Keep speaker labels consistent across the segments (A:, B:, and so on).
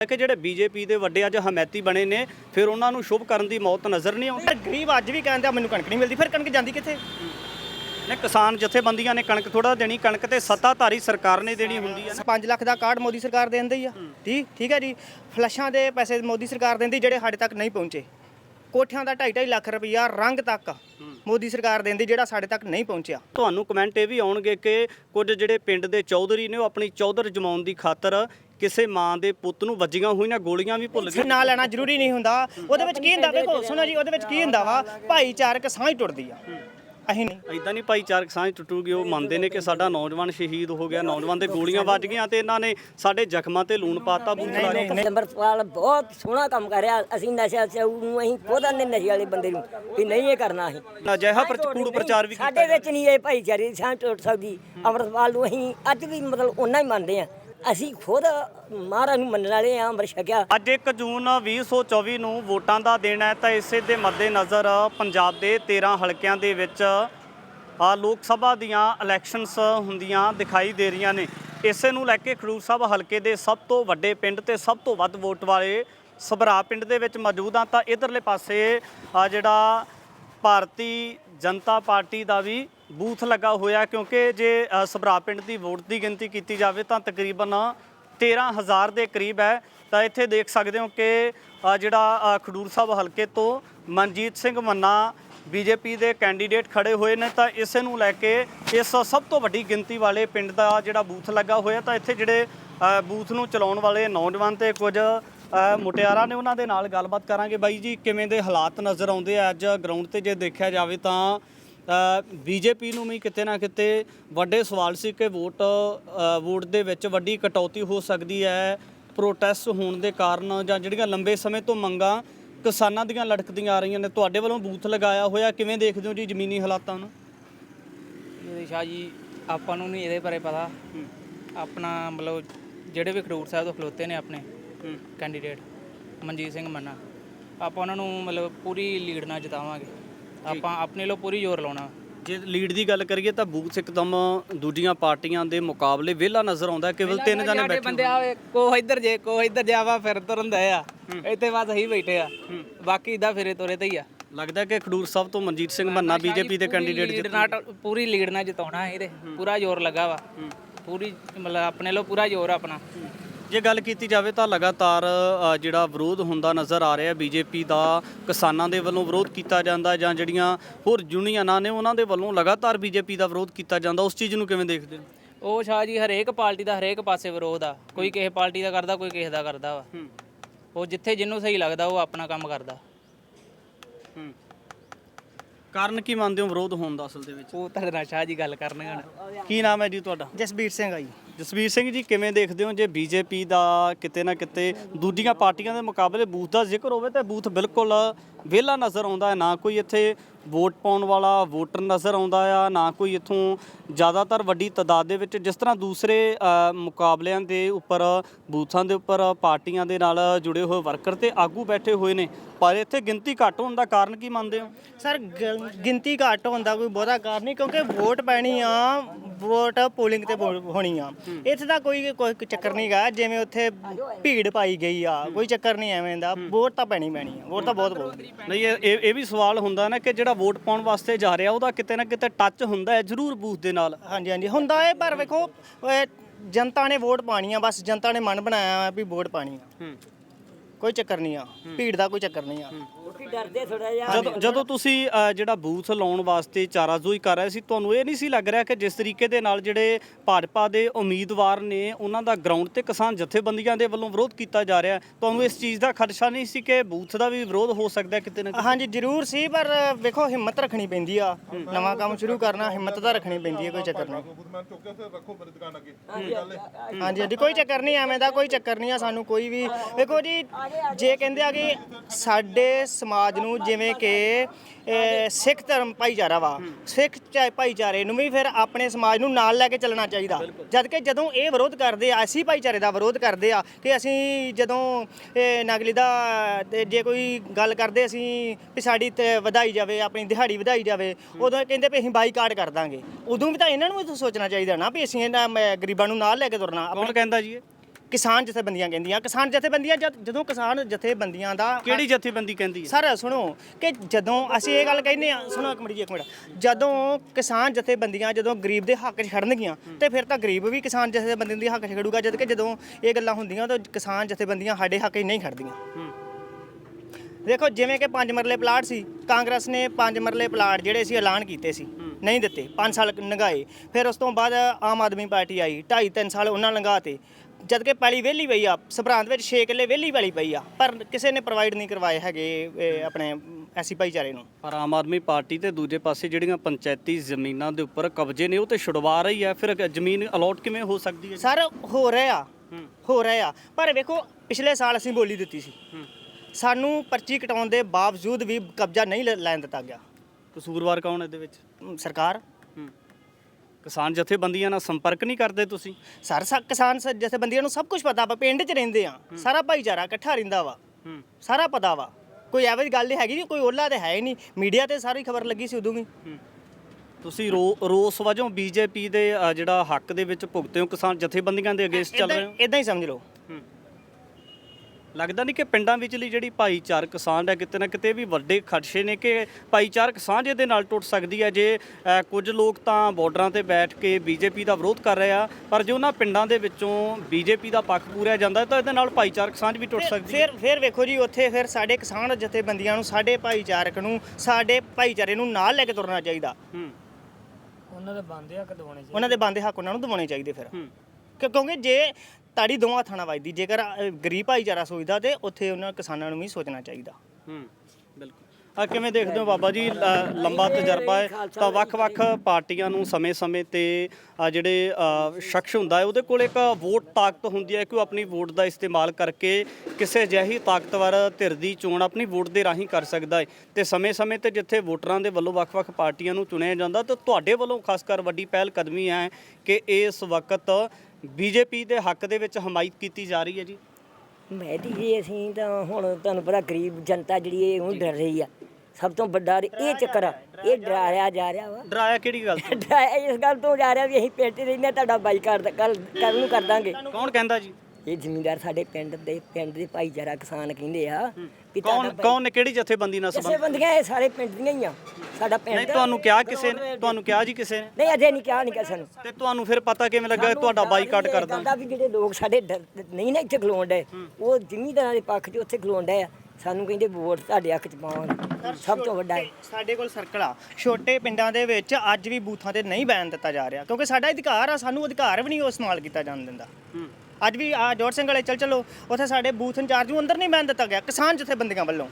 A: ਕਿ ਜਿਹੜੇ ਬੀਜੇਪੀ ਦੇ ਵੱਡੇ ਅੱਜ ਹਮੈਤੀ ਬਣੇ ਨੇ ਫਿਰ ਉਹਨਾਂ ਨੂੰ ਸ਼ੁਭ ਕਰਨ ਦੀ ਮੌਤ ਨਜ਼ਰ ਨਹੀਂ ਆਉਂਦੀ।
B: ਗਰੀਬ ਅੱਜ ਵੀ ਕਹਿੰਦਾ ਮੈਨੂੰ ਕਣਕ ਨਹੀਂ ਮਿਲਦੀ, ਫਿਰ ਕਣਕ ਜਾਂਦੀ ਕਿੱਥੇ?
A: ਨੇ ਕਿਸਾਨ ਜਥੇਬੰਦੀਆਂ ਨੇ ਕਣਕ ਥੋੜਾ ਦੇਣੀ, ਕਣਕ ਤੇ ਸੱਤਾਧਾਰੀ ਸਰਕਾਰ ਨੇ ਦੇਣੀ ਹੁੰਦੀ ਹੈ।
B: 5 ਲੱਖ ਦਾ ਕਾਰਡ ਮੋਦੀ ਸਰਕਾਰ ਦੇ ਦਿੰਦੀ ਆ। ਠੀਕ ਹੈ ਜੀ। ਫਲਸ਼ਾਂ ਦੇ ਪੈਸੇ ਮੋਦੀ ਸਰਕਾਰ ਦਿੰਦੀ ਜਿਹੜੇ ਸਾਡੇ ਤੱਕ ਨਹੀਂ ਪਹੁੰਚੇ। ਕੋਠਿਆਂ ਦਾ 2.5 ਲੱਖ ਰੁਪਈਆ ਰੰਗ ਤੱਕ ਮੋਦੀ ਸਰਕਾਰ ਦਿੰਦੀ ਜਿਹੜਾ ਸਾਡੇ ਤੱਕ ਨਹੀਂ ਪਹੁੰਚਿਆ।
A: ਤੁਹਾਨੂੰ ਕਮੈਂਟ ਇਹ ਵੀ ਆਉਣਗੇ ਕਿ ਕੁਝ ਜਿਹੜੇ ਪਿੰਡ ਦੇ ਚੌਧਰੀ ਨੇ ਉਹ ਆਪਣੀ ਚੌਧਰ ਜਮਾਉਣ ਦੀ ਖਾਤਰ ਕਿਸੇ ਮਾਂ ਦੇ ਪੁੱਤ ਨੂੰ ਵੱਜੀਆਂ ਹੋਈਆਂ ਗੋਲੀਆਂ ਵੀ ਭੁੱਲ ਗਏ।
B: ਨਾਂ ਲੈਣਾ ਜ਼ਰੂਰੀ ਨਹੀਂ ਹੁੰਦਾ। ਉਹਦੇ ਵਿੱਚ ਕੀ ਹੁੰਦਾ ਵੇਖੋ, ਸੁਣੋ ਜੀ, ਉਹਦੇ ਵਿੱਚ ਕੀ ਹੁੰਦਾ ਵਾ, ਭਾਈਚਾਰਕ ਸਾਂਝ ਟੁੱਟਦੀ ਆ। ਅਸੀਂ ਨਹੀਂ
A: ਇਦਾਂ ਨਹੀਂ ਭਾਈਚਾਰਕ ਸਾਂਝ ਟੁੱਟੂਗੀ। ਉਹ ਮੰਨਦੇ ਨੇ ਕਿ ਸਾਡਾ ਨੌਜਵਾਨ ਸ਼ਹੀਦ ਹੋ ਗਿਆ, ਨੌਜਵਾਨ ਦੇ ਗੋਲੀਆਂ ਵੱਜ ਗਈਆਂ ਤੇ ਇਹਨਾਂ ਨੇ ਸਾਡੇ ਜ਼ਖਮਾਂ ਤੇ ਲੂਣ ਪਾਤਾ।
C: ਅੰਮ੍ਰਿਤਪਾਲ ਬਹੁਤ ਸੋਹਣਾ ਕੰਮ ਕਰ ਰਿਹਾ। ਅਸੀਂ ਨਸ਼ਾ ਨੂੰ ਅਸੀਂ ਖੁਦ ਆਨੇ ਨਸ਼ੇ ਵਾਲੇ ਬੰਦੇ ਨੂੰ ਵੀ ਨਹੀਂ ਇਹ ਕਰਨਾ। ਅਸੀਂ
A: ਅਜਿਹਾ ਕੂੜ ਪ੍ਰਚਾਰ ਵੀ
C: ਸਾਡੇ ਵਿੱਚ ਨਹੀਂ ਇਹ ਭਾਈਚਾਰੇ ਦੀ ਸਾਂਝ ਟੁੱਟ ਸਕਦੀ। ਅੰਮ੍ਰਿਤਪਾਲ ਨੂੰ ਅਸੀਂ ਅੱਜ ਵੀ ਮਤਲਬ ਓਨਾ ਹੀ ਮੰਨਦੇ ਹਾਂ। ਅਸੀਂ ਖੁਦ ਮਹਾਰਾਜ ਨੂੰ ਮੰਨਣ ਵਾਲੇ ਹਾਂ, ਅੰਮ੍ਰਿਤ ਛਕਿਆ।
A: ਅੱਜ 1 ਜੂਨ 2024 ਨੂੰ ਵੋਟਾਂ ਦਾ ਦਿਨ ਹੈ ਤਾਂ ਇਸੇ ਦੇ ਮੱਦੇਨਜ਼ਰ ਪੰਜਾਬ ਦੇ 13 ਹਲਕਿਆਂ ਦੇ ਵਿੱਚ ਲੋਕ ਸਭਾ ਦੀਆਂ ਇਲੈਕਸ਼ਨਸ ਹੁੰਦੀਆਂ ਦਿਖਾਈ ਦੇ ਰਹੀਆਂ ਨੇ। ਇਸੇ ਨੂੰ ਲੈ ਕੇ ਖਡੂਰ ਸਾਹਿਬ ਹਲਕੇ ਦੇ ਸਭ ਤੋਂ ਵੱਡੇ ਪਿੰਡ ਤੇ ਸਭ ਤੋਂ ਵੱਧ ਵੋਟ ਵਾਲੇ ਸਭਰਾ ਪਿੰਡ ਦੇ ਵਿੱਚ ਮੌਜੂਦ ਹਾਂ। ਤਾਂ ਇਧਰਲੇ ਪਾਸੇ ਜਿਹੜਾ ਭਾਰਤੀ ਜਨਤਾ ਪਾਰਟੀ ਦਾ ਵੀ ਬੂਥ ਲੱਗਾ ਹੋਇਆ, ਕਿਉਂਕਿ ਜੇ ਸਭਰਾ ਪਿੰਡ ਦੀ ਵੋਟ ਦੀ ਗਿਣਤੀ ਕੀਤੀ ਜਾਵੇ ਤਾਂ ਤਕਰੀਬਨ 13,000 ਦੇ ਕਰੀਬ ਹੈ। ਤਾਂ ਇੱਥੇ ਦੇਖ ਸਕਦੇ ਹੋ ਕਿ ਜਿਹੜਾ ਖਡੂਰ ਸਾਹਿਬ ਹਲਕੇ ਤੋਂ ਮਨਜੀਤ ਸਿੰਘ ਮੰਨਾ ਬੀਜੇਪੀ ਦੇ ਕੈਂਡੀਡੇਟ ਖੜੇ ਹੋਏ ਨੇ। ਤਾਂ ਇਸੇ ਨੂੰ ਲੈ ਕੇ ਇਸ ਸਭ ਤੋਂ ਵੱਡੀ ਗਿਣਤੀ ਵਾਲੇ ਪਿੰਡ ਦਾ ਜਿਹੜਾ ਬੂਥ ਲੱਗਾ ਹੋਇਆ, ਤਾਂ ਇੱਥੇ ਜਿਹੜੇ ਬੂਥ ਨੂੰ ਚਲਾਉਣ ਵਾਲੇ ਨੌਜਵਾਨ ਤੇ ਕੁਝ ਮੁਟਿਆਰਾਂ ਨੇ ਉਹਨਾਂ ਦੇ ਨਾਲ ਗੱਲਬਾਤ ਕਰਾਂਗੇ। ਬਾਈ ਜੀ, ਕਿਵੇਂ ਦੇ ਹਾਲਾਤ ਨਜ਼ਰ ਆਉਂਦੇ ਆ ਅੱਜ ਗਰਾਊਂਡ ਤੇ? ਜੇ ਦੇਖਿਆ ਜਾਵੇ ਤਾਂ ਬੀਜੇਪੀ ਨੂੰ ਵੀ ਕਿਤੇ ਨਾ ਕਿਤੇ ਵੱਡੇ ਸਵਾਲ ਸੀ ਕਿ ਵੋਟ ਦੇ ਵਿੱਚ ਵੱਡੀ ਕਟੌਤੀ ਹੋ ਸਕਦੀ ਹੈ ਪ੍ਰੋਟੈਸਟ ਹੋਣ ਦੇ ਕਾਰਨ, ਜਾਂ ਜਿਹੜੀਆਂ ਲੰਬੇ ਸਮੇਂ ਤੋਂ ਮੰਗਾਂ ਕਿਸਾਨਾਂ ਦੀਆਂ ਲਟਕਦੀਆਂ ਆ ਰਹੀਆਂ ਨੇ। ਤੁਹਾਡੇ ਵੱਲੋਂ ਬੂਥ ਲਗਾਇਆ ਹੋਇਆ, ਕਿਵੇਂ ਦੇਖਦੇ ਹੋ ਜੀ ਜ਼ਮੀਨੀ ਹਾਲਾਤਾਂ ਨੂੰ?
D: ਇਹਦੇ ਸ਼ਾਹ ਜੀ ਆਪਾਂ ਨੂੰ ਨਹੀਂ ਇਹਦੇ ਬਾਰੇ ਪਤਾ। ਆਪਣਾ ਮਤਲਬ ਜਿਹੜੇ ਵੀ ਖਡੂਰ ਸਾਹਿਬ ਤੋਂ ਖਲੋਤੇ ਨੇ ਆਪਣੇ ਕੈਂਡੀਡੇਟ ਮਨਜੀਤ ਸਿੰਘ ਮੰਨਾ, ਆਪਾਂ ਉਹਨਾਂ ਨੂੰ ਮਤਲਬ ਪੂਰੀ ਲੀਡ ਨਾਲ ਜਿਤਾਵਾਂਗੇ। ਆਪਾਂ ਆਪਣੇ ਲੋ ਪੂਰੀ ਜ਼ੋਰ ਲਾਉਣਾ।
A: ਜੇ ਲੀਡ ਦੀ ਗੱਲ ਕਰੀਏ ਤਾਂ ਬੂਥ ਇੱਕਦਮ ਦੂਜੀਆਂ ਪਾਰਟੀਆਂ ਦੇ ਮੁਕਾਬਲੇ ਵਿਹਲਾ ਨਜ਼ਰ ਆਉਂਦਾ। ਕੇਵਲ 3 ਜਣੇ ਬੈਠੇ
D: ਬੰਦੇ ਆਵੇ, ਕੋ ਇੱਧਰ ਜੇ ਕੋ ਇੱਧਰ ਜਾਵਾ, ਫਿਰ ਤੁਰਨ ਦੇ ਆ। ਇੱਥੇ ਬਸ ਅਸੀਂ ਬੈਠੇ ਆ, ਬਾਕੀ ਇਦਾਂ ਫਿਰੇ ਤੁਰੇ ਤੇ ਹੀ ਆ।
A: ਲੱਗਦਾ ਕਿ ਖਡੂਰ ਸਾਹਿਬ ਤੋਂ ਮਨਜੀਤ ਸਿੰਘ ਮੰਨਾ ਬੀਜੇਪੀ ਦੇ ਕੈਂਡੀਡੇਟ
D: ਪੂਰੀ ਲੀਡ ਨਾਲ ਜਿਤਾਉਣਾ। ਇਹਦੇ ਪੂਰਾ ਜ਼ੋਰ ਲੱਗਾ ਵਾ, ਪੂਰੀ ਮਤਲਬ ਆਪਣੇ ਲੋ ਪੂਰਾ ਜ਼ੋਰ ਆਪਣਾ।
A: ਜੇ ਗੱਲ ਕੀਤੀ ਜਾਵੇ ਤਾਂ ਲਗਾਤਾਰ ਜਿਹੜਾ ਵਿਰੋਧ ਹੁੰਦਾ ਨਜ਼ਰ ਆ ਰਿਹਾ ਬੀਜੇਪੀ ਦਾ, ਕਿਸਾਨਾਂ ਦੇ ਵੱਲੋਂ ਵਿਰੋਧ ਕੀਤਾ ਜਾਂਦਾ ਜਾਂ ਜਿਹੜੀਆਂ ਹੋਰ ਯੂਨੀਅਨਾਂ ਨੇ ਉਹਨਾਂ ਦੇ ਵੱਲੋਂ ਲਗਾਤਾਰ ਬੀਜੇਪੀ ਦਾ ਵਿਰੋਧ ਕੀਤਾ ਜਾਂਦਾ। ਉਸ ਚੀਜ਼ ਨੂੰ ਕਿਵੇਂ ਦੇਖਦੇ ਹੋ?
D: ਉਹ ਸ਼ਾਹ ਜੀ ਹਰੇਕ ਪਾਰਟੀ ਦਾ ਹਰੇਕ ਪਾਸੇ ਵਿਰੋਧ ਆ। ਕੋਈ ਕਿਸੇ ਪਾਰਟੀ ਦਾ ਕਰਦਾ, ਕੋਈ ਕਿਸੇ ਦਾ ਕਰਦਾ ਵਾ। ਉਹ ਜਿੱਥੇ ਜਿਹਨੂੰ ਸਹੀ ਲੱਗਦਾ ਉਹ ਆਪਣਾ ਕੰਮ ਕਰਦਾ।
A: ਕਾਰਨ ਕੀ ਮੰਨਦੇ ਹੋ ਵਿਰੋਧ ਹੋਣ ਦਾ ਅਸਲ ਦੇ ਵਿੱਚ?
D: ਉਹ ਤੁਹਾਡੇ ਨਾਲ ਸ਼ਾਹ ਜੀ ਗੱਲ ਕਰਨਗੇ।
A: ਕੀ ਨਾਮ ਹੈ ਜੀ ਤੁਹਾਡਾ?
B: ਜਸਬੀਰ ਸਿੰਘ ਆ ਜੀ।
A: ਜਸਵੀਰ ਸਿੰਘ ਜੀ, ਕਿਵੇਂ ਦੇਖਦੇ ਹੋ ਜੇ ਬੀਜੇਪੀ ਦਾ ਕਿਤੇ ਨਾ ਕਿਤੇ ਦੂਜੀਆਂ ਪਾਰਟੀਆਂ ਦੇ ਮੁਕਾਬਲੇ ਬੂਥ ਦਾ ਜ਼ਿਕਰ ਹੋਵੇ ਤਾਂ ਬੂਥ ਬਿਲਕੁਲ ਵਿਹਲਾ ਨਜ਼ਰ ਆਉਂਦਾ ਹੈ? ਨਾ ਕੋਈ ਇੱਥੇ ਵੋਟ ਪਾਉਣ ਵਾਲਾ ਵੋਟਰ ਨਜ਼ਰ ਆਉਂਦਾ ਆ, ਨਾ ਕੋਈ ਇੱਥੋਂ ਜ਼ਿਆਦਾਤਰ ਵੱਡੀ ਤਾਦਾਦ ਦੇ ਵਿੱਚ ਜਿਸ ਤਰ੍ਹਾਂ ਦੂਸਰੇ ਮੁਕਾਬਲਿਆਂ ਦੇ ਉੱਪਰ ਬੂਥਾਂ ਦੇ ਉੱਪਰ ਪਾਰਟੀਆਂ ਦੇ ਨਾਲ ਜੁੜੇ ਹੋਏ ਵਰਕਰ ਤੇ ਆਗੂ ਬੈਠੇ ਹੋਏ ਨੇ, ਪਰ ਇੱਥੇ ਗਿਣਤੀ ਘੱਟ ਹੋਣ ਦਾ ਕਾਰਨ ਕੀ ਮੰਨਦੇ ਹੋ?
B: ਸਰ ਗਿਣਤੀ ਘੱਟ ਹੋਣ ਦਾ ਕੋਈ ਬਹੁਤਾ ਕਾਰਨ ਨਹੀਂ, ਕਿਉਂਕਿ ਵੋਟ ਪੈਣੀ ਆ, ਵੋਟ ਪੋਲਿੰਗ ਤੇ ਹੋਣੀ ਆ। ਇੱਥੇ ਦਾ ਕੋਈ ਚੱਕਰ ਨਹੀਂ ਗਾ ਜਿਵੇਂ ਉੱਥੇ ਭੀੜ ਪਾਈ ਗਈ ਆ, ਕੋਈ ਚੱਕਰ ਨਹੀਂ ਐਵੇਂ ਦਾ। ਵੋਟ ਤਾਂ ਪੈਣੀ ਆ, ਵੋਟ ਤਾਂ ਬਹੁਤ
A: ਨਹੀਂ। ਇਹ ਵੀ ਸਵਾਲ ਹੁੰਦਾ ਨਾ ਕਿ ਜਿਹੜਾ ਵੋਟ ਪਾਉਣ ਵਾਸਤੇ ਜਾ ਰਿਹਾ ਉਹਦਾ ਕਿਤੇ ਨਾ ਕਿਤੇ ਟੱਚ ਹੁੰਦਾ ਹੈ ਜ਼ਰੂਰ ਬੂਥ ਦੇ ਨਾਲ।
B: ਹਾਂਜੀ ਹੁੰਦਾ ਹੈ, ਪਰ ਵੇਖੋ ਜਨਤਾ ਨੇ ਵੋਟ ਪਾਣੀ ਆ, ਬਸ ਜਨਤਾ ਨੇ ਮਨ ਬਣਾਇਆ ਵੀ ਵੋਟ ਪਾਣੀ ਆ, ਕੋਈ ਚੱਕਰ ਨਹੀਂ ਆ। ਭੀੜ ਦਾ ਕੋਈ ਚੱਕਰ ਨਹੀਂ ਆ।
C: ਡਰਦੇ ਥੋੜਾ ਜਿਹਾ।
A: ਜਦੋਂ ਤੁਸੀਂ ਜਿਹੜਾ ਬੂਥ ਲਾਉਣ ਵਾਸਤੇ ਚਾਰਾਜ਼ੋਈ ਕਰ ਰਹੇ ਸੀ, ਤੁਹਾਨੂੰ ਇਹ ਨਹੀਂ ਸੀ ਲੱਗ ਰਿਹਾ ਕਿ ਜਿਸ ਤਰੀਕੇ ਦੇ ਨਾਲ ਜਿਹੜੇ ਭਾਜਪਾ ਦੇ ਉਮੀਦਵਾਰ ਨੇ ਉਹਨਾਂ ਦਾ ਗਰਾਊਂਡ ਤੇ ਕਿਸਾਨ ਜਥੇਬੰਦੀਆਂ ਦੇ ਵੱਲੋਂ ਵਿਰੋਧ ਕੀਤਾ ਜਾ ਰਿਹਾ, ਤੁਹਾਨੂੰ ਇਸ ਚੀਜ਼ ਦਾ ਖਦਸ਼ਾ ਨਹੀਂ ਸੀ ਕਿ ਬੂਥ ਦਾ ਵੀ ਵਿਰੋਧ ਹੋ ਸਕਦਾ ਕਿਤੇ ਨਾ ਕਿਤੇ?
B: ਹਾਂਜੀ ਜ਼ਰੂਰ ਸੀ, ਪਰ ਵੇਖੋ ਹਿੰਮਤ ਰੱਖਣੀ ਪੈਂਦੀ ਆ। ਨਵਾਂ ਕੰਮ ਸ਼ੁਰੂ ਕਰਨਾ ਹਿੰਮਤ ਤਾਂ ਰੱਖਣੀ ਪੈਂਦੀ ਹੈ, ਕੋਈ ਚੱਕਰ ਨਹੀਂ। ਹਾਂਜੀ ਕੋਈ ਚੱਕਰ ਨਹੀਂ, ਐਵੇਂ ਦਾ ਕੋਈ ਚੱਕਰ ਨਹੀਂ ਆ ਸਾਨੂੰ ਕੋਈ ਵੀ। ਵੇਖੋ ਜੀ, ਜੇ ਕਹਿੰਦੇ ਆ ਕਿ ਸਾਡੇ ਸਮਾਜ ਨੂੰ ਜਿਵੇਂ ਕਿ ਸਿੱਖ ਧਰਮ ਭਾਈਚਾਰਾ ਵਾ, ਸਿੱਖ ਭਾਈਚਾਰੇ ਨੂੰ ਵੀ ਫਿਰ ਆਪਣੇ ਸਮਾਜ ਨੂੰ ਨਾਲ ਲੈ ਕੇ ਚੱਲਣਾ ਚਾਹੀਦਾ। ਜਦ ਕਿ ਜਦੋਂ ਇਹ ਵਿਰੋਧ ਕਰਦੇ ਆ, ਅਸੀਂ ਭਾਈਚਾਰੇ ਦਾ ਵਿਰੋਧ ਕਰਦੇ ਆ ਕਿ ਅਸੀਂ ਜਦੋਂ ਨਗਲੀ ਦਾ ਜੇ ਕੋਈ ਗੱਲ ਕਰਦੇ ਅਸੀਂ ਵੀ ਸਾਡੀ ਵਧਾਈ ਜਾਵੇ, ਆਪਣੀ ਦਿਹਾੜੀ ਵਧਾਈ ਜਾਵੇ, ਉਦੋਂ ਕਹਿੰਦੇ ਵੀ ਅਸੀਂ ਬਾਈਕਾਟ ਕਰ ਦਾਂਗੇ। ਉਦੋਂ ਵੀ ਤਾਂ ਇਹਨਾਂ ਨੂੰ ਵੀ ਸੋਚਣਾ ਚਾਹੀਦਾ ਨਾ ਵੀ ਅਸੀਂ ਇਹਨਾਂ ਗਰੀਬਾਂ ਨੂੰ ਨਾਲ ਲੈ ਕੇ ਤੁਰਨਾ।
A: ਕੌਣ ਕਹਿੰਦਾ ਜੀ?
B: ਕਿਸਾਨ ਜਥੇਬੰਦੀਆਂ ਕਹਿੰਦੀਆਂ ਕਿਸਾਨ ਜਥੇਬੰਦੀਆਂ ਜਦੋਂ ਕਿਸਾਨ ਜਥੇਬੰਦੀਆਂ ਦਾ
A: ਕਿਹੜੀ ਜਥੇਬੰਦੀ ਕਹਿੰਦੀ ਹੈ?
B: ਸਰ ਸੁਣੋ ਕਿ ਜਦੋਂ ਅਸੀਂ ਇਹ ਗੱਲ ਕਹਿੰਦੇ ਆ, ਸੁਣੋ ਇੱਕ ਮਿੰਟ, ਜਦੋਂ ਕਿਸਾਨ ਜਥੇਬੰਦੀਆਂ ਜਦੋਂ ਗਰੀਬ ਦੇ ਹੱਕ 'ਚ ਖੜਨਗੀਆਂ ਤੇ ਫਿਰ ਤਾਂ ਗਰੀਬ ਵੀ ਕਿਸਾਨ ਜਥੇਬੰਦੀਆਂ ਦੇ ਹੱਕ 'ਚ ਖੜੂਗਾ, ਜਦ ਕਿ ਜਦੋਂ ਇਹ ਗੱਲਾਂ ਹੁੰਦੀਆਂ ਤਾਂ ਕਿਸਾਨ ਜਥੇਬੰਦੀਆਂ ਸਾਡੇ ਹੱਕ 'ਚ ਨਹੀਂ ਖੜਦੀਆਂ। ਦੇਖੋ ਜਿਵੇਂ ਕਿ 5 ਮਰਲੇ ਪਲਾਟ ਸੀ, ਕਾਂਗਰਸ ਨੇ 5 ਮਰਲੇ ਪਲਾਟ ਜਿਹੜੇ ਸੀ ਐਲਾਨ ਕੀਤੇ ਸੀ, ਨਹੀਂ ਦਿੱਤੇ, 5 ਸਾਲ ਲੰਘਾਏ। ਫਿਰ ਉਸ ਤੋਂ ਬਾਅਦ ਆਮ ਆਦਮੀ ਪਾਰਟੀ ਆਈ, 2.5-3 ਸਾਲ ਉਹਨਾਂ ਲੰਘਾਤੇ, ਜਦ ਕਿ ਪੈਲੀ ਵਿਹਲੀ ਪਈ ਆ ਸਭਰਾਂਤ ਵਿੱਚ 6 ਕਿੱਲੇ ਵਿਹਲੀ ਪੈਲੀ ਪਈ ਆ, ਪਰ ਕਿਸੇ ਨੇ ਪ੍ਰੋਵਾਈਡ ਨਹੀਂ ਕਰਵਾਏ ਹੈਗੇ ਆਪਣੇ ਐਸੀ ਭਾਈਚਾਰੇ ਨੂੰ।
A: ਪਰ ਆਮ ਆਦਮੀ ਪਾਰਟੀ ਤੇ ਦੂਜੇ ਪਾਸੇ ਜਿਹੜੀਆਂ ਪੰਚਾਇਤੀ ਜ਼ਮੀਨਾਂ ਦੇ ਉੱਪਰ ਕਬਜ਼ੇ ਨੇ ਉਹ ਤੇ ਛੁਡਵਾ ਰਹੀ ਹੈ, ਫਿਰ ਜ਼ਮੀਨ ਅਲਾਟ ਕਿਵੇਂ ਹੋ ਸਕਦੀ ਹੈ?
B: ਸਰ ਹੋ ਰਿਹਾ ਪਰ ਵੇਖੋ ਪਿਛਲੇ ਸਾਲ ਅਸੀਂ ਬੋਲੀ ਦਿੱਤੀ ਸੀ, ਸਾਨੂੰ ਪਰਚੀ ਕਟਾਉਣ ਦੇ ਬਾਵਜੂਦ ਵੀ ਕਬਜ਼ਾ ਨਹੀਂ ਲੈਣ ਦਿੱਤਾ ਗਿਆ।
A: ਕਸੂਰਵਾਰ ਕੌਣ ਇਹਦੇ ਵਿੱਚ?
B: ਸਰਕਾਰ।
A: ਕਿਸਾਨ ਜਥੇਬੰਦੀਆਂ ਨਾਲ ਸੰਪਰਕ ਨਹੀਂ ਕਰਦੇ ਤੁਸੀਂ?
B: ਸਰ ਕਿਸਾਨ ਜਥੇਬੰਦੀਆਂ ਨੂੰ ਸਭ ਕੁਝ ਪਤਾ ਵਾ, ਪਿੰਡ 'ਚ ਰਹਿੰਦੇ ਆ, ਸਾਰਾ ਭਾਈਚਾਰਾ ਇਕੱਠਾ ਰਹਿੰਦਾ ਵਾ, ਸਾਰਾ ਪਤਾ ਵਾ, ਕੋਈ ਐਵੇਂ ਦੀ ਗੱਲ ਹੈਗੀ ਨਹੀਂ, ਕੋਈ ਓਲਾ ਤੇ ਹੈ ਹੀ ਨਹੀਂ, ਮੀਡੀਆ ਤੇ ਸਾਰੀ ਖਬਰ ਲੱਗੀ ਸੀ ਉਦੋਂ ਵੀ।
A: ਤੁਸੀਂ ਰੋਸ ਵਜੋਂ ਬੀਜੇਪੀ ਦੇ ਜਿਹੜਾ ਹੱਕ ਦੇ ਵਿੱਚ ਭੁਗਤੇ ਹੋ, ਕਿਸਾਨ ਜਥੇਬੰਦੀਆਂ ਦੇ ਅਗੇਂਸਟ ਚੱਲ ਰਹੇ ਹੋ?
B: ਇਦਾਂ ਹੀ ਸਮਝ ਲਓ।
A: ਲੱਗਦਾ ਨਹੀਂ ਕਿ ਪਿੰਡਾਂ ਵਿਚਲੀ ਜਿਹੜੀ ਭਾਈਚਾਰਕ ਸਾਂਝ ਹੈ ਕਿਤੇ ਨਾ ਕਿਤੇ ਵੀ ਵੱਡੇ ਖਦਸ਼ੇ ਨੇ ਕਿ ਭਾਈਚਾਰਕ ਸਾਂਝ ਇਹਦੇ ਨਾਲ ਟੁੱਟ ਸਕਦੀ ਹੈ ਜੇ ਕੁਝ ਲੋਕ ਤਾਂ ਬਾਰਡਰਾਂ ਤੇ ਬੈਠ ਕੇ ਬੀਜੇਪੀ ਦਾ ਵਿਰੋਧ ਕਰ ਰਹੇ ਆ, ਪਰ ਜੇ ਉਹਨਾਂ ਪਿੰਡਾਂ ਦੇ ਵਿੱਚੋਂ ਬੀਜੇਪੀ ਦਾ ਪੱਖ ਪੂਰਿਆ ਜਾਂਦਾ ਤਾਂ ਇਹਦੇ ਨਾਲ ਭਾਈਚਾਰਕ ਸਾਂਝ ਵੀ ਟੁੱਟ ਸਕਦੀ ਹੈ।
B: ਫਿਰ ਵੇਖੋ ਜੀ ਉੱਥੇ ਫਿਰ ਸਾਡੇ ਕਿਸਾਨ ਜਥੇਬੰਦੀਆਂ ਨੂੰ, ਸਾਡੇ ਭਾਈਚਾਰਕ ਨੂੰ, ਸਾਡੇ ਭਾਈਚਾਰੇ ਨੂੰ ਨਾਲ ਲੈ ਕੇ ਤੁਰਨਾ ਚਾਹੀਦਾ।
C: ਉਹਨਾਂ ਦੇ ਬੰਦੇ ਹੱਕ ਦਿਵਾਉਣੇ
B: ਉਹਨਾਂ ਦੇ ਬੰਦੇ ਹੱਕ ਉਹਨਾਂ ਨੂੰ ਦਿਵਾਉਣੇ ਚਾਹੀਦੇ ਫਿਰ, ਕਿਉਂਕਿ ਜੇ ਤਾੜੀ ਦੋਵਾਂ ਥਾਣਾ ਵੱਜਦੀ, ਜੇਕਰ ਗਰੀਬ ਭਾਈਚਾਰਾ ਸੋਚਦਾ ਤੇ ਉੱਥੇ ਉਹਨਾਂ ਕਿਸਾਨਾਂ ਨੂੰ ਵੀ ਸੋਚਣਾ ਚਾਹੀਦਾ।
A: ਬਿਲਕੁਲ। ਕਿਵੇਂ ਦੇਖਦੇ ਹੋ ਬਾਬਾ ਜੀ, ਲੰਬਾ ਤਜਰਬਾ ਹੈ ਤਾਂ ਵੱਖ-ਵੱਖ ਪਾਰਟੀਆਂ ਨੂੰ ਸਮੇਂ-ਸਮੇਂ ਤੇ ਜਿਹੜੇ ਸ਼ਖਸ ਹੁੰਦਾ ਹੈ ਉਹਦੇ ਕੋਲ ਇੱਕ ਵੋਟ ਤਾਕਤ ਹੁੰਦੀ ਹੈ ਕਿ ਉਹ ਆਪਣੀ ਵੋਟ ਦਾ ਇਸਤੇਮਾਲ ਕਰਕੇ ਕਿਸੇ ਅਜਿਹੀ ਤਾਕਤਵਰ ਧਿਰ ਦੀ ਚੋਣ ਆਪਣੀ ਵੋਟ ਦੇ ਰਾਹੀਂ ਕਰ ਸਕਦਾ ਹੈ ਤੇ ਸਮੇਂ-ਸਮੇਂ ਤੇ ਜਿੱਥੇ ਵੋਟਰਾਂ ਦੇ ਵੱਲੋਂ ਵੱਖ-ਵੱਖ ਪਾਰਟੀਆਂ ਨੂੰ ਚੁਣਿਆ ਜਾਂਦਾ ਤਾਂ ਤੁਹਾਡੇ ਵੱਲੋਂ ਖਾਸ ਕਰ ਵੱਡੀ ਪਹਿਲ ਕਦਮੀ ਹੈ ਕਿ ਇਸ ਵਕਤ ਬੀਜੇਪੀ ਦੇ ਹੱਕ ਦੇ ਵਿੱਚ ਹਮਾਇਤ ਕੀਤੀ ਜਾ ਰਹੀ ਹੈ ਜੀ।
C: ਮੈਂ ਜੀ ਅਸੀਂ ਤਾਂ ਹੁਣ ਤੁਹਾਨੂੰ ਪਤਾ ਗਰੀਬ ਜਨਤਾ ਜਿਹੜੀ ਇਹ ਉਹ ਡਰ ਰਹੀ ਆ, ਸਭ ਤੋਂ ਵੱਡਾ ਇਹ ਚੱਕਰ ਆ, ਇਹ ਡਰਾਇਆ ਜਾ ਰਿਹਾ ਵਾ।
A: ਡਰਾਇਆ ਕਿਹੜੀ ਗੱਲ ਤੋਂ?
C: ਡਰਾਇਆ ਇਸ ਗੱਲ ਤੋਂ ਜਾ ਰਿਹਾ ਵੀ ਅਸੀਂ ਪਿੰਡ 'ਚ ਰਹਿੰਦੇ, ਤੁਹਾਡਾ ਬਾਈਕਾਟ ਕੱਲ ਨੂੰ ਕਰ ਦਾਂਗੇ।
A: ਕੌਣ ਕਹਿੰਦਾ ਜੀ?
C: ਇਹ ਜ਼ਿਮੀਂਦਾਰ ਸਾਡੇ ਪਿੰਡ ਦੇ ਭਾਈਚਾਰਾ ਕਿਸਾਨ ਕਹਿੰਦੇ ਆ ਵੀ
A: ਕੌਣ ਨੇ, ਕਿਹੜੀ ਜਥੇਬੰਦੀ ਨਾਲ ਸੰਬੰਧ?
C: ਜਥੇਬੰਦੀਆਂ ਇਹ ਸਾਰੇ ਪਿੰਡ ਦੀਆਂ ਹੀ ਆ, ਸਾਡਾ ਪਿੰਡ।
A: ਨਹੀਂ ਤੁਹਾਨੂੰ ਕਿਹਾ ਕਿਸੇ ਨੇ? ਤੁਹਾਨੂੰ ਕਿਹਾ ਜੀ ਕਿਸੇ ਨੇ?
C: ਨਹੀਂ ਅਜੇ ਨਹੀਂ ਕਿਹਾ, ਨਹੀਂ ਕਿਸੇ ਨੂੰ।
A: ਤੇ ਤੁਹਾਨੂੰ ਫਿਰ ਪਤਾ ਕਿਵੇਂ ਲੱਗਾ ਤੁਹਾਡਾ ਬਾਈਕਾਟ ਕਰ ਦਾਂ?
C: ਵੀ ਜਿਹੜੇ ਲੋਕ ਸਾਡੇ ਨਹੀਂ ਨਾ ਇੱਥੇ ਖਲੋਣ ਡਏ, ਉਹ ਜ਼ਿਮੀਂਦਾਰਾਂ ਦੇ ਪੱਖ 'ਚ ਉੱਥੇ ਖਲੋਣ ਡਏ ਆ, ਸਾਨੂੰ ਕਹਿੰਦੇ ਵੋਟ ਤੁਹਾਡੇ ਹੱਕ 'ਚ ਪਾਵਾਂਗੇ। ਸਭ ਤੋਂ ਵੱਡਾ ਹੈ
B: ਸਾਡੇ ਕੋਲ ਸਰਕਲ ਆ, ਛੋਟੇ ਪਿੰਡਾਂ ਦੇ ਵਿੱਚ ਅੱਜ ਵੀ ਬੂਥਾਂ ਤੇ ਨਹੀਂ ਬੈਨ ਦਿੱਤਾ ਜਾ ਰਿਹਾ, ਕਿਉਂਕਿ ਸਾਡਾ ਅਧਿਕਾਰ ਆ, ਸਾਨੂੰ ਅਧਿਕਾਰ ਵੀ ਨਹੀਂ ਉਹ ਇਸਤੇਮਾਲ ਕੀਤਾ ਜਾਣ ਦਿੰਦਾ। ਅੱਜ ਵੀ ਜੋੜ ਸਿੰਘ ਵਾਲੇ ਚਲੋ ਉੱਥੇ ਸਾਡੇ ਬੂਥ ਇੰਚਾਰਜ ਨੂੰ ਅੰਦਰ ਨਹੀਂ ਬੈਨ ਦਿੱਤਾ ਗਿਆ ਕਿਸਾਨ ਜਥੇਬੰਦੀਆਂ ਵੱਲੋਂ।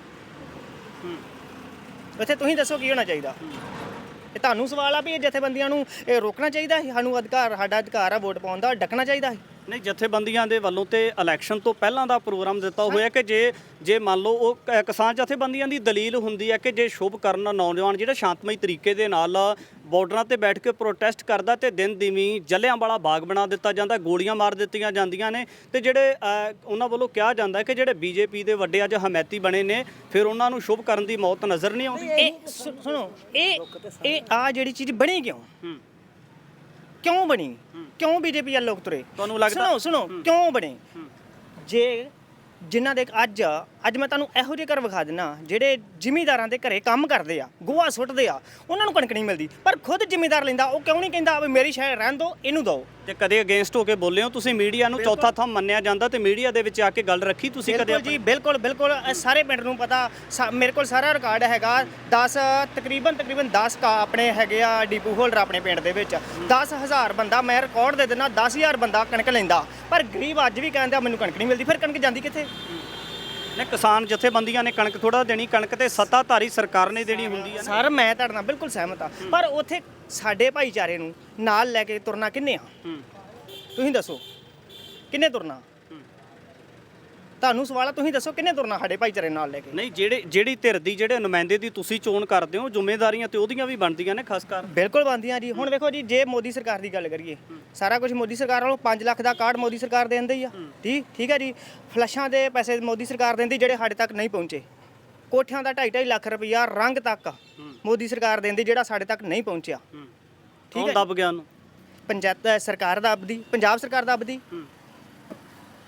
B: ਉੱਥੇ ਤੁਸੀਂ ਦੱਸੋ ਕੀ ਹੋਣਾ ਚਾਹੀਦਾ? ਇਹ ਤੁਹਾਨੂੰ ਸਵਾਲ ਆ ਵੀ ਇਹ ਜਥੇਬੰਦੀਆਂ ਨੂੰ ਇਹ ਰੋਕਣਾ ਚਾਹੀਦਾ ਹੈ, ਸਾਨੂੰ ਅਧਿਕਾਰ, ਸਾਡਾ ਅਧਿਕਾਰ ਆ ਵੋਟ ਪਾਉਣ ਦਾ, ਡੱਕਣਾ ਚਾਹੀਦਾ ਹੈ।
A: ਨਹੀਂ, ਜਥੇਬੰਦੀਆਂ ਦੇ ਵੱਲੋਂ ਤੇ ਇਲੈਕਸ਼ਨ ਤੋਂ ਪਹਿਲਾਂ ਦਾ ਪ੍ਰੋਗਰਾਮ ਦਿੱਤਾ ਹੋਇਆ ਕਿ ਜੇ ਮੰਨ ਲਓ ਉਹ ਕਿਸਾਨ ਜਥੇਬੰਦੀਆਂ ਦੀ ਦਲੀਲ ਹੁੰਦੀ ਹੈ ਕਿ ਜੇ ਸ਼ੁਭ ਕਰਨ ਨੌਜਵਾਨ ਜਿਹੜਾ ਸ਼ਾਂਤਮਈ ਤਰੀਕੇ ਦੇ ਨਾਲ ਬਾਰਡਰਾਂ ਤੇ ਬੈਠ ਕੇ ਪ੍ਰੋਟੈਸਟ ਕਰਦਾ ਤੇ ਦਿਨ ਦੀਵੀਂ ਜਲਿਆਂਵਾਲਾ ਬਾਗ ਬਣਾ ਦਿੱਤਾ ਜਾਂਦਾ, ਗੋਲੀਆਂ ਮਾਰ ਦਿੱਤੀਆਂ ਜਾਂਦੀਆਂ ਨੇ ਤੇ ਜਿਹੜੇ ਉਹਨਾਂ ਵੱਲੋਂ ਕਿਹਾ ਜਾਂਦਾ ਕਿ ਜਿਹੜੇ ਬੀਜੇਪੀ ਦੇ ਵੱਡੇ ਅੱਜ ਹਮੈਤੀ ਬਣੇ ਨੇ ਫਿਰ ਉਹਨਾਂ ਨੂੰ ਸ਼ੁਭ ਕਰਨ ਦੀ ਮੌਤ ਨਜ਼ਰ ਨਹੀਂ ਆਉਂਦੀ।
B: ਇਹ ਸੁਣੋ, ਇਹ ਆ ਜਿਹੜੀ ਚੀਜ਼ ਬਣੀ ਕਿਉਂ ਬਣੀ? ਕਿਉਂ ਬੀਜੇਪੀ ਵਾਲੇ ਲੋਕ ਤੁਰੇ?
A: ਤੁਹਾਨੂੰ ਲੱਗਦਾ?
B: ਸੁਣੋ ਕਿਉਂ ਬਣੇ? ਜੇ ਜਿਨ੍ਹਾਂ ਦੇ ਅੱਜ ਮੈਂ ਤੁਹਾਨੂੰ ਇਹੋ ਜਿਹੇ ਘਰ ਵਿਖਾ ਦਿੰਦਾ ਜਿਹੜੇ ਜ਼ਿਮੀਂਦਾਰਾਂ ਦੇ ਘਰੇ ਕੰਮ ਕਰਦੇ ਆ, ਗੋਹਾ ਸੁੱਟਦੇ ਆ, ਉਹਨਾਂ ਨੂੰ ਕਣਕ ਨਹੀਂ ਮਿਲਦੀ, ਪਰ ਖੁਦ ਜ਼ਿਮੀਂਦਾਰ ਲੈਂਦਾ, ਉਹ ਕਿਉਂ ਨਹੀਂ ਕਹਿੰਦਾ ਵੀ ਮੇਰੀ ਸ਼ਹਿਰ ਰਹਿਣ ਦਿਓ, ਇਹਨੂੰ ਦਿਓ?
A: ਤੇ ਕਦੇ ਅਗੇਂਸਟ ਹੋ ਕੇ ਬੋਲੇ ਹੋ ਤੁਸੀਂ? ਮੀਡੀਆ ਨੂੰ ਚੌਥਾ ਥੰਮ ਮੰਨਿਆ ਜਾਂਦਾ ਤੇ ਮੀਡੀਆ ਦੇ ਵਿੱਚ ਆ ਕੇ ਗੱਲ ਰੱਖੀ ਤੁਸੀਂ ਕਦੇ?
B: ਜੀ ਬਿਲਕੁਲ ਇਹ ਸਾਰੇ ਪਿੰਡ ਨੂੰ ਪਤਾ, ਮੇਰੇ ਕੋਲ ਸਾਰਾ ਰਿਕਾਰਡ ਹੈਗਾ। ਤਕਰੀਬਨ 10 ਆਪਣੇ ਹੈਗੇ ਆ ਡੀਪੂ ਹੋਲਡਰ ਆਪਣੇ ਪਿੰਡ ਦੇ ਵਿੱਚ, 10,000 ਬੰਦਾ, ਮੈਂ ਰਿਕਾਰਡ ਦੇ ਦਿੰਦਾ, 10,000 ਬੰਦਾ ਕਣਕ ਲੈਂਦਾ, ਪਰ ਗਰੀਬ ਅੱਜ ਵੀ ਕਹਿੰਦਾ ਮੈਨੂੰ ਕਣਕ ਨਹੀਂ ਮਿਲਦੀ। ਫਿਰ ਕਣਕ ਜਾਂਦੀ ਕਿੱਥੇ?
A: ਨੇ ਕਿਸਾਨ ਜਥੇਬੰਦੀਆਂ ਨੇ ਕਣਕ ਥੋੜਾ ਦੇਣੀ, ਕਣਕ ਤੇ ਸੱਤਾਧਾਰੀ ਸਰਕਾਰ ਨੇ ਦੇਣੀ ਹੁੰਦੀ ਹੈ।
B: ਸਰ ਮੈਂ ਤੁਹਾਡੇ ਨਾਲ ਬਿਲਕੁਲ ਸਹਿਮਤ ਆ, ਪਰ ਉੱਥੇ ਸਾਡੇ ਭਾਈਚਾਰੇ ਨੂੰ ਨਾਲ ਲੈ ਕੇ ਤੁਰਨਾ ਕਿੰਨੇ ਆ? ਤੁਸੀਂ ਦੱਸੋ ਕਿੰਨੇ ਤੁਰਨਾ? ਤੁਹਾਨੂੰ ਸਵਾਲ ਆ, ਤੁਸੀਂ ਦੱਸੋ ਕਿੰਨੇ ਤੁਰਨਾ ਸਾਡੇ ਭਾਈਚਾਰੇ ਨਾਲ ਲੈ ਕੇ?
A: ਨਹੀਂ, ਜਿਹੜੀ ਧਿਰ ਦੀ ਜਿਹੜੇ ਨੁਮਾਇੰਦੇ ਦੀ ਤੁਸੀਂ ਚੋਣ ਕਰਦੇ ਹੋ, ਜ਼ਿੰਮੇਵਾਰੀਆਂ ਤੇ ਉਹਦੀਆਂ ਵੀ ਬਣਦੀਆਂ ਨੇ ਖਾਸ ਕਰ।
B: ਬਿਲਕੁਲ ਬਣਦੀਆਂ ਜੀ। ਹੁਣ ਵੇਖੋ ਜੀ, ਜੇ ਮੋਦੀ ਸਰਕਾਰ ਦੀ ਗੱਲ ਕਰੀਏ, ਸਾਰਾ ਕੁਝ ਮੋਦੀ ਸਰਕਾਰ ਵੱਲੋਂ 5 ਲੱਖ ਦਾ ਕਾਰਡ ਮੋਦੀ ਸਰਕਾਰ ਦੇ ਦਿੰਦੀ ਆ, ਠੀਕ ਹੈ ਜੀ। ਫਲਸ਼ਾਂ ਦੇ ਪੈਸੇ ਮੋਦੀ ਸਰਕਾਰ ਦਿੰਦੀ ਜਿਹੜੇ ਸਾਡੇ ਤੱਕ ਨਹੀਂ ਪਹੁੰਚੇ। ਕੋਠਿਆਂ ਦਾ 2.5 ਲੱਖ ਰੁਪਈਆ ਰੰਗ ਤੱਕ ਮੋਦੀ ਸਰਕਾਰ ਦਿੰਦੀ ਜਿਹੜਾ ਸਾਡੇ ਤੱਕ ਨਹੀਂ ਪਹੁੰਚਿਆ।
A: ਠੀਕ ਹੈ, ਦੱਬ ਗਿਆ ਉਹਨੂੰ
B: ਪੰਚਾਇਤ ਸਰਕਾਰ ਦੱਬਦੀ, ਪੰਜਾਬ ਸਰਕਾਰ ਦੱਬਦੀ।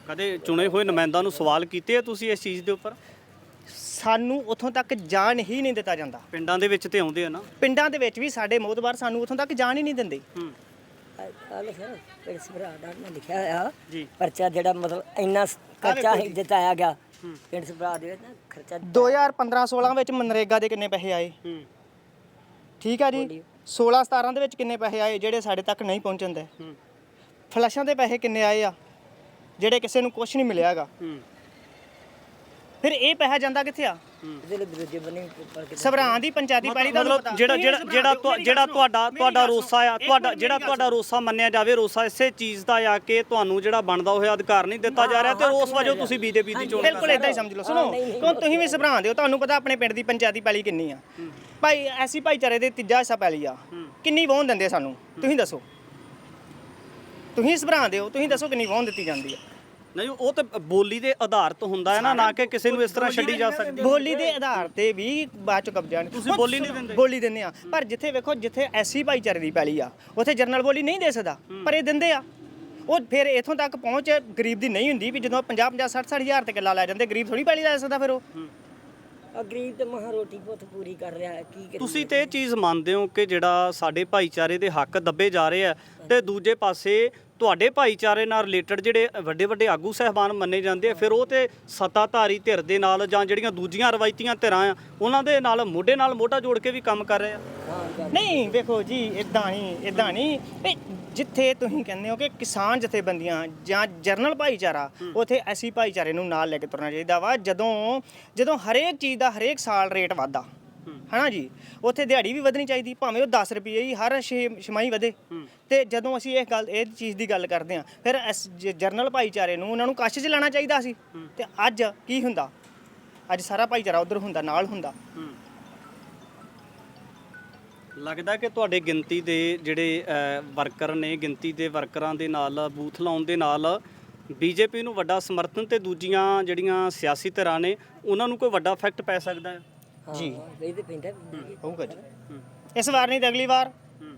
A: ਕਦੇ ਚੁਣੇ ਹੋਏ ਨੁਮਾਇੰਦਾਂ ਨੂੰ ਸਵਾਲ ਕੀਤੇ ਆ ਤੁਸੀਂ ਇਸ ਚੀਜ਼ ਦੇ ਉੱਪਰ?
B: ਸਾਨੂੰ ਉੱਥੋਂ ਤੱਕ ਜਾਣ ਹੀ ਨਹੀਂ ਦਿੱਤਾ ਜਾਂਦਾ।
A: ਪਿੰਡਾਂ ਦੇ ਵਿੱਚ ਤੇ ਆਉਂਦੇ ਆ ਨਾ।
B: ਪਿੰਡਾਂ ਦੇ ਵਿੱਚ ਵੀ ਸਾਡੇ ਮੋਹਤਬਾਰ ਸਾਨੂੰ ਉੱਥੋਂ ਤੱਕ ਜਾਣ ਹੀ ਨਹੀਂ ਦਿੰਦੇ।
C: ਆਲੇ ਸਰ ਪਿੰਡ ਸਭਰਾ ਦਾ ਮੈਂ ਲਿਖਿਆ ਹੋਇਆ
A: ਜੀ।
C: ਪਰਚਾ ਜਿਹੜਾ ਮਤਲਬ ਇੰਨਾ ਖਰਚਾ ਜਿਤਾਇਆ ਗਿਆ ਪਿੰਡ ਸਭਰਾ ਦੇ ਵਿੱਚ ਨਾ ਖਰਚਾ
B: 2015-16 ਵਿੱਚ ਮਨਰੇਗਾ ਦੇ ਕਿੰਨੇ ਪੈਸੇ ਆਏ? ਠੀਕ ਆ ਜੀ। 16-17 ਦੇ ਵਿੱਚ ਕਿੰਨੇ ਪੈਸੇ ਆਏ ਜਿਹੜੇ ਸਾਡੇ ਤੱਕ ਨਹੀਂ ਪਹੁੰਚਣ ਦੇ? ਫਲਸ਼ਾਂ ਦੇ ਪੈਸੇ ਕਿੰਨੇ ਆਏ ਆ ਜਿਹੜੇ ਕਿਸੇ ਨੂੰ ਕੁਝ ਨਹੀਂ ਮਿਲਿਆ ਹੈਗਾ? ਫਿਰ ਇਹ ਪੈਸਾ ਜਾਂਦਾ ਕਿੱਥੇ ਆ?
C: ਜਿਹੜੇ ਵਿਰੋਧੀ ਬਣੇ
B: ਸਭਰਾਂ ਦੀ ਪੰਚਾਇਤੀ ਪੈਲੀ ਦਾ
A: ਮਤਲਬ ਜਿਹੜਾ ਤੁਹਾਡਾ ਰੋਸਾ ਆ, ਤੁਹਾਡਾ ਰੋਸਾ ਮੰਨਿਆ ਜਾਵੇ, ਰੋਸਾ ਇਸੇ ਚੀਜ਼ ਦਾ ਆ ਕਿ ਤੁਹਾਨੂੰ ਜਿਹੜਾ ਬਣਦਾ ਹੋਇਆ ਅਧਿਕਾਰ ਨਹੀਂ ਦਿੱਤਾ ਜਾ ਰਿਹਾ ਤੇ ਉਸ ਵਜੋਂ ਤੁਸੀਂ ਬੀਜੇਪੀ ਦੀ ਚੋਣ?
B: ਬਿਲਕੁਲ ਇਦਾਂ ਹੀ ਸਮਝ ਲਓ। ਸੁਣੋ, ਕਿਉਂ ਤੁਸੀਂ ਵੀ ਸਭਰਾਂ ਦੇ ਹੋ, ਤੁਹਾਨੂੰ ਪਤਾ ਆਪਣੇ ਪਿੰਡ ਦੀ ਪੰਚਾਇਤੀ ਪੈਲੀ ਕਿੰਨੀ ਆ? ਭਾਈ ਐਸੀ ਭਾਈਚਾਰੇ ਦੇ ਤੀਜਾ ਹਿੱਸਾ ਪੈਲੀ ਆ, ਕਿੰਨੀ ਵਾਹੁਣ ਦਿੰਦੇ ਸਾਨੂੰ? ਤੁਸੀਂ ਦੱਸੋ। ਤੁਸੀਂ ਸਭਰਾਂ ਦੇ ਹੋ, ਤੁਸੀਂ ਦੱਸੋ ਕਿੰਨੀ ਵਾਹੁਣ ਦਿੱਤੀ ਜਾਂਦੀ ਆ?
A: ਨਹੀਂ, ਉਹ ਤਾਂ ਬੋਲੀ ਦੇ ਆਧਾਰਿਤ ਹੁੰਦਾ ਹੈ ਨਾ ਕਿ ਕਿਸੇ ਨੂੰ ਇਸ ਤਰ੍ਹਾਂ ਛੱਡੀ ਜਾ ਸਕਦੀ।
B: ਬੋਲੀ ਦੇ ਆਧਾਰ ਤੇ ਵੀ ਬਾਅਦ ਚ ਕਬਜ਼ਾ ਨਹੀਂ।
A: ਤੁਸੀਂ ਬੋਲੀ ਨਹੀਂ ਦਿੰਦੇ?
B: ਬੋਲੀ ਦਿੰਦੇ ਆ, ਪਰ ਜਿੱਥੇ ਵੇਖੋ ਜਿੱਥੇ ਐਸੀ ਭਾਈਚਾਰੇ ਦੀ ਪੈਲੀ ਆ ਉੱਥੇ ਜਰਨਲ ਬੋਲੀ ਨਹੀਂ ਦੇ ਸਕਦਾ, ਪਰ ਇਹ ਦਿੰਦੇ ਆ। ਉਹ ਫਿਰ ਇਥੋਂ ਤੱਕ ਪਹੁੰਚ ਗਰੀਬ ਦੀ ਨਹੀਂ ਹੁੰਦੀ ਵੀ ਜਦੋਂ 50-50 60-60 ਹਜ਼ਾਰ ਤੇ ਕਿੱਲਾ ਲੈ ਜਾਂਦੇ, ਗਰੀਬ ਥੋੜੀ ਪੈਲੀ ਲੈ ਸਕਦਾ। ਫਿਰ ਉਹ
C: ਗਰੀਬ ਤੇ ਮਹਾ ਰੋਟੀ ਪੁੱਤ ਪੂਰੀ ਕਰ ਰਿਹਾ ਹੈ, ਕੀ ਕਰੀਏ?
A: ਤੁਸੀਂ ਤੇ ਇਹ ਚੀਜ਼ ਮੰਨਦੇ ਹੋ ਕਿ ਜਿਹੜਾ ਸਾਡੇ ਭਾਈਚਾਰੇ ਦੇ ਹੱਕ ਦੱਬੇ ਜਾ ਰਹੇ ਆ ਤੇ ਦੂਜੇ ਪਾਸੇ ਤੁਹਾਡੇ ਭਾਈਚਾਰੇ ਨਾਲ ਰਿਲੇਟਡ ਜਿਹੜੇ ਵੱਡੇ ਵੱਡੇ ਆਗੂ ਸਹਿਬਾਨ ਮੰਨੇ ਜਾਂਦੇ ਆ, ਫਿਰ ਉਹ ਤੇ ਸੱਤਾਧਾਰੀ ਧਿਰ ਦੇ ਨਾਲ ਜਾਂ ਜਿਹੜੀਆਂ ਦੂਜੀਆਂ ਰਵਾਇਤੀਆਂ ਧਿਰਾਂ ਆ ਉਹਨਾਂ ਦੇ ਨਾਲ ਮੋਢਾ ਜੋੜ ਕੇ ਵੀ ਕੰਮ ਕਰ ਰਹੇ ਆ?
B: ਨਹੀਂ, ਵੇਖੋ ਜੀ, ਇਦਾਂ ਨਹੀਂ। ਇਹ ਜਿੱਥੇ ਤੁਸੀਂ ਕਹਿੰਦੇ ਹੋ ਕਿ ਕਿਸਾਨ ਜਥੇਬੰਦੀਆਂ ਜਾਂ ਜਰਨਲ ਭਾਈਚਾਰਾ, ਉੱਥੇ ਐਸੀ ਭਾਈਚਾਰੇ ਨੂੰ ਨਾਲ ਲੈ ਕੇ ਤੁਰਨਾ ਚਾਹੀਦਾ ਵਾ। ਜਦੋਂ ਹਰੇਕ ਚੀਜ਼ ਦਾ ਹਰੇਕ ਸਾਲ ਰੇਟ ਵਧਦਾ ਹਨਾ ਜੀ, ਉੱਥੇ ਦਿਹਾੜੀ ਵੀ ਵਧਣੀ ਚਾਹੀਦੀ, ਭਾਵੇਂ ਉਹ 10 ਰੁਪਏ ਹੀ ਹਰ ਛਮਾਈ ਵਧੇ। ਤੇ ਜਦੋਂ ਅਸੀਂ ਇਹ ਚੀਜ਼ ਦੀ ਗੱਲ ਕਰਦੇ ਹਾਂ, ਫਿਰ ਜਰਨਲ ਭਾਈਚਾਰੇ ਨੂੰ ਉਹਨਾਂ ਨੂੰ ਕਸ਼ 'ਚ ਲੈਣਾ ਚਾਹੀਦਾ ਸੀ। ਤੇ ਅੱਜ ਕੀ ਹੁੰਦਾ? ਅੱਜ ਸਾਰਾ ਭਾਈਚਾਰਾ ਉਧਰ ਹੁੰਦਾ, ਨਾਲ ਹੁੰਦਾ।
A: ਲੱਗਦਾ ਕਿ ਤੁਹਾਡੇ ਗਿਣਤੀ ਦੇ ਜਿਹੜੇ ਵਰਕਰ ਨੇ, ਗਿਣਤੀ ਦੇ ਵਰਕਰਾਂ ਦੇ ਨਾਲ ਬੂਥ ਲਾਉਣ ਦੇ ਨਾਲ ਬੀਜੇਪੀ ਨੂੰ ਵੱਡਾ ਸਮਰਥਨ ਤੇ ਦੂਜੀਆਂ ਜਿਹੜੀਆਂ ਸਿਆਸੀ ਧਿਰਾਂ ਨੇ ਉਹਨਾਂ ਨੂੰ ਕੋਈ ਵੱਡਾ ਇਫੈਕਟ ਪੈ ਸਕਦਾ ਹੈ?
B: ਜੀ,
C: ਇਹ ਤੇ ਪੈਂਦਾ
B: ਹੋਊਗਾ ਜੀ। ਇਸ ਵਾਰ ਨਹੀਂ ਤਾਂ ਅਗਲੀ ਵਾਰ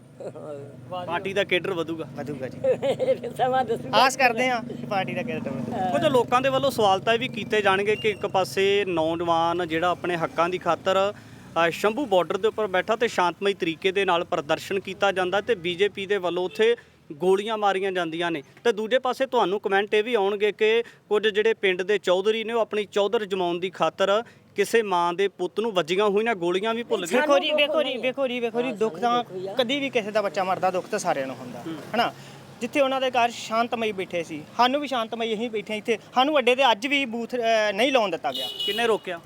A: ਪਾਰਟੀ ਦਾ ਕੇਡਰ ਵਧੂਗਾ
B: ਜੀ।
C: ਸਮਾਂ ਦੱਸੂ।
B: ਆਸ ਕਰਦੇ ਹਾਂ ਕਿ ਪਾਰਟੀ ਦਾ ਕੇਡਰ ਵਧੂਗਾ।
A: ਕੁਝ ਲੋਕਾਂ ਦੇ ਵੱਲੋਂ ਸਵਾਲ ਤਾਂ ਇਹ ਵੀ ਕੀਤੇ ਜਾਣਗੇ ਕਿ ਇੱਕ ਪਾਸੇ ਨੌਜਵਾਨ ਜਿਹੜਾ ਆਪਣੇ ਹੱਕਾਂ ਦੀ ਖਾਤਰ ਸ਼ੰਭੂ ਬਾਰਡਰ ਦੇ ਉੱਪਰ ਬੈਠਾ ਤੇ ਸ਼ਾਂਤਮਈ ਤਰੀਕੇ ਦੇ ਨਾਲ ਪ੍ਰਦਰਸ਼ਨ ਕੀਤਾ ਜਾਂਦਾ ਤੇ ਬੀਜੇਪੀ ਦੇ ਵੱਲੋਂ ਉੱਥੇ ਗੋਲੀਆਂ ਮਾਰੀਆਂ ਜਾਂਦੀਆਂ ਨੇ, ਤੇ ਦੂਜੇ ਪਾਸੇ ਤੁਹਾਨੂੰ ਕਮੈਂਟ ਇਹ ਵੀ ਆਉਣਗੇ ਕਿ ਕੁਝ ਜਿਹੜੇ ਪਿੰਡ ਦੇ ਚੌਧਰੀ ਨੇ ਉਹ ਆਪਣੀ ਚੌਧਰ ਜਮਾਉਣ ਦੀ ਖਾਤਰ ਕਿਸੇ ਮਾਂ ਦੇ ਪੁੱਤ ਨੂੰ ਵੱਜੀਆਂ ਹੋਈਆਂ ਗੋਲੀਆਂ ਵੀ ਭੁੱਲ ਗਏ।
B: ਵੇਖੋ ਜੀ, ਦੁੱਖ ਤਾਂ ਕਦੀ ਵੀ ਕਿਸੇ ਦਾ ਬੱਚਾ ਮਰਦਾ, ਦੁੱਖ ਤਾਂ ਸਾਰਿਆਂ ਨੂੰ ਹੁੰਦਾ ਹਨਾ। ਜਿੱਥੇ ਉਹਨਾਂ ਦੇ ਘਰ ਸ਼ਾਂਤਮਈ ਬੈਠੇ ਸੀ, ਸਾਨੂੰ ਵੀ ਸ਼ਾਂਤਮਈ ਅਸੀਂ ਬੈਠੇ ਇੱਥੇ, ਸਾਨੂੰ ਅੱਡੇ ਤੇ ਅੱਜ ਵੀ ਬੂਥ ਨਹੀਂ ਲਾਉਣ ਦਿੱਤਾ ਗਿਆ।
A: ਕਿੰਨੇ ਰੋਕਿਆ?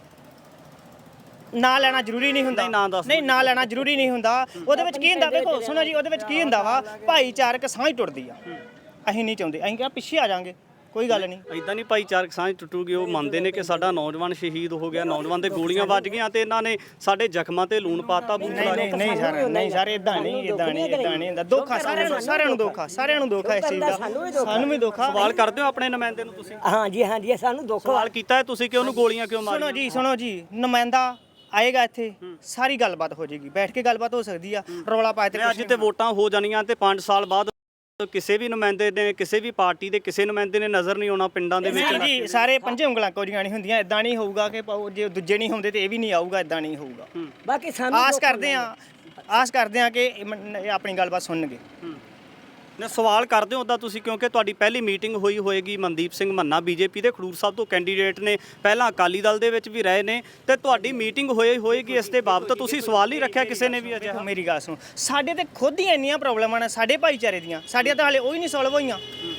B: ਨਾ ਲੈਣਾ ਜ਼ਰੂਰੀ ਨਹੀਂ ਹੁੰਦਾ। ਨਹੀਂ, ਨਾ ਲੈਣਾ ਜ਼ਰੂਰੀ ਨਹੀਂ ਹੁੰਦਾ। ਉਹਦੇ ਵਿੱਚ ਕੀ ਹੁੰਦਾ? ਵੇਖੋ ਸੁਣੋ ਜੀ, ਉਹਦੇ ਵਿੱਚ ਕੀ ਹੁੰਦਾ ਵਾ, ਭਾਈਚਾਰਕ ਸਾਂਝ ਟੁੱਟਦੀ ਆ। ਅਸੀਂ ਨਹੀਂ ਚਾਹੁੰਦੇ, ਅਸੀਂ ਕਿਹਾ ਪਿੱਛੇ ਆ ਜਾਾਂਗੇ, ਕੋਈ ਗੱਲ ਨਹੀਂ।
A: ਇਦਾਂ ਨਹੀਂ ਭਾਈਚਾਰਕ ਸਾਂਝ ਟੁੱਟੂਗੀ। ਉਹ ਮੰਨਦੇ ਨੇ ਕਿ ਸਾਡਾ ਨੌਜਵਾਨ ਸ਼ਹੀਦ ਹੋ ਗਿਆ, ਨੌਜਵਾਨ ਦੇ ਗੋਲੀਆਂ ਵੱਜ ਗਈਆਂ ਤੇ ਇਹਨਾਂ ਨੇ ਸਾਡੇ ਜ਼ਖਮਾਂ ਤੇ ਲੂਣ ਪਾਤਾ।
B: ਨਹੀਂ ਸਰ, ਇਦਾਂ ਨਹੀਂ ਹੁੰਦਾ। ਦੁੱਖ ਆ ਸਾਰਿਆਂ ਨੂੰ ਦੁੱਖ ਆ ਇਸ ਚੀਜ਼ ਦਾ। ਸਾਨੂੰ ਵੀ ਦੁੱਖ ਆ।
A: ਸਵਾਲ ਕਰਦੇ ਹੋ ਆਪਣੇ ਨੁਮਾਇੰਦੇ ਨੂੰ ਤੁਸੀਂ?
C: ਹਾਂਜੀ, ਸਾਨੂੰ ਦੁੱਖ
A: ਸਵਾਲ ਕੀਤਾ ਹੈ ਤੁਸੀਂ ਕਿ ਉਹਨੂੰ ਗੋਲੀਆਂ ਕਿਉਂ ਮਾਰੀਆਂ?
B: ਸੁਣੋ ਜੀ, ਨੁਮਾਇੰਦਾ ਆਏਗਾ ਇੱਥੇ, ਸਾਰੀ ਗੱਲਬਾਤ ਹੋ ਜਾਏਗੀ, ਬੈਠ ਕੇ ਗੱਲਬਾਤ ਹੋ ਸਕਦੀ ਆ। ਰੌਲਾ ਪਾਏ ਤੇ
A: ਅੱਜ ਤੇ ਵੋਟਾਂ ਹੋ ਜਾਣੀਆਂ ਤੇ 5 ਸਾਲ ਬਾਅਦ ਕਿਸੇ ਵੀ ਨੁਮਾਇੰਦੇ ਨੇ, ਕਿਸੇ ਵੀ ਪਾਰਟੀ ਦੇ ਕਿਸੇ ਨੁਮਾਇੰਦੇ ਨੇ ਨਜ਼ਰ ਨਹੀਂ ਆਉਣਾ ਪਿੰਡਾਂ ਦੇ ਵਿੱਚ।
B: ਜੀ, ਸਾਰੇ ਪੰਜੇ ਉਂਗਲਾਂ ਕੋਰੀਆਂ ਨਹੀਂ ਹੁੰਦੀਆਂ। ਇਦਾਂ ਨਹੀਂ ਹੋਊਗਾ ਕਿ ਜੇ ਦੂਜੇ ਨਹੀਂ ਹੁੰਦੇ ਤੇ ਇਹ ਵੀ ਨਹੀਂ ਆਊਗਾ, ਇਦਾਂ ਨਹੀਂ ਹੋਊਗਾ।
C: ਬਾਕੀ ਸਾਨੂੰ
B: ਆਸ ਕਰਦੇ ਆ ਕਿ ਆਪਣੀ ਗੱਲਬਾਤ ਸੁਣਨਗੇ।
A: ਨੇ ਸਵਾਲ ਕਰਦੇ ਹੋ ਉੱਦਾਂ ਤੁਸੀਂ, ਕਿਉਂਕਿ ਤੁਹਾਡੀ ਪਹਿਲੀ ਮੀਟਿੰਗ ਹੋਈ ਹੋਏਗੀ ਮਨਦੀਪ ਸਿੰਘ ਮੰਨਾ ਬੀਜੇਪੀ ਦੇ ਖਡੂਰ ਸਾਹਿਬ ਤੋਂ ਕੈਂਡੀਡੇਟ ਨੇ, ਪਹਿਲਾਂ ਅਕਾਲੀ ਦਲ ਦੇ ਵਿੱਚ ਵੀ ਰਹੇ ਨੇ, ਤੇ ਤੁਹਾਡੀ ਮੀਟਿੰਗ ਹੋਏਗੀ ਇਸ ਦੇ ਬਾਬਤ ਤੁਸੀਂ ਸਵਾਲ ਨਹੀਂ ਰੱਖਿਆ ਕਿਸੇ ਨੇ ਵੀ? ਅਜਿਹਾ
B: ਮੇਰੀ ਗੱਲ ਸੁਣ, ਸਾਡੇ ਤੇ ਖੁਦ ਹੀ ਇੰਨੀਆਂ ਪ੍ਰੋਬਲਮਾਂ ਨੇ ਸਾਡੇ ਭਾਈਚਾਰੇ ਦੀਆਂ, ਸਾਡੀਆਂ ਤਾਂ ਹਾਲੇ ਉਹ ਹੀ ਨਹੀਂ ਸੋਲਵ ਹੋਈਆਂ।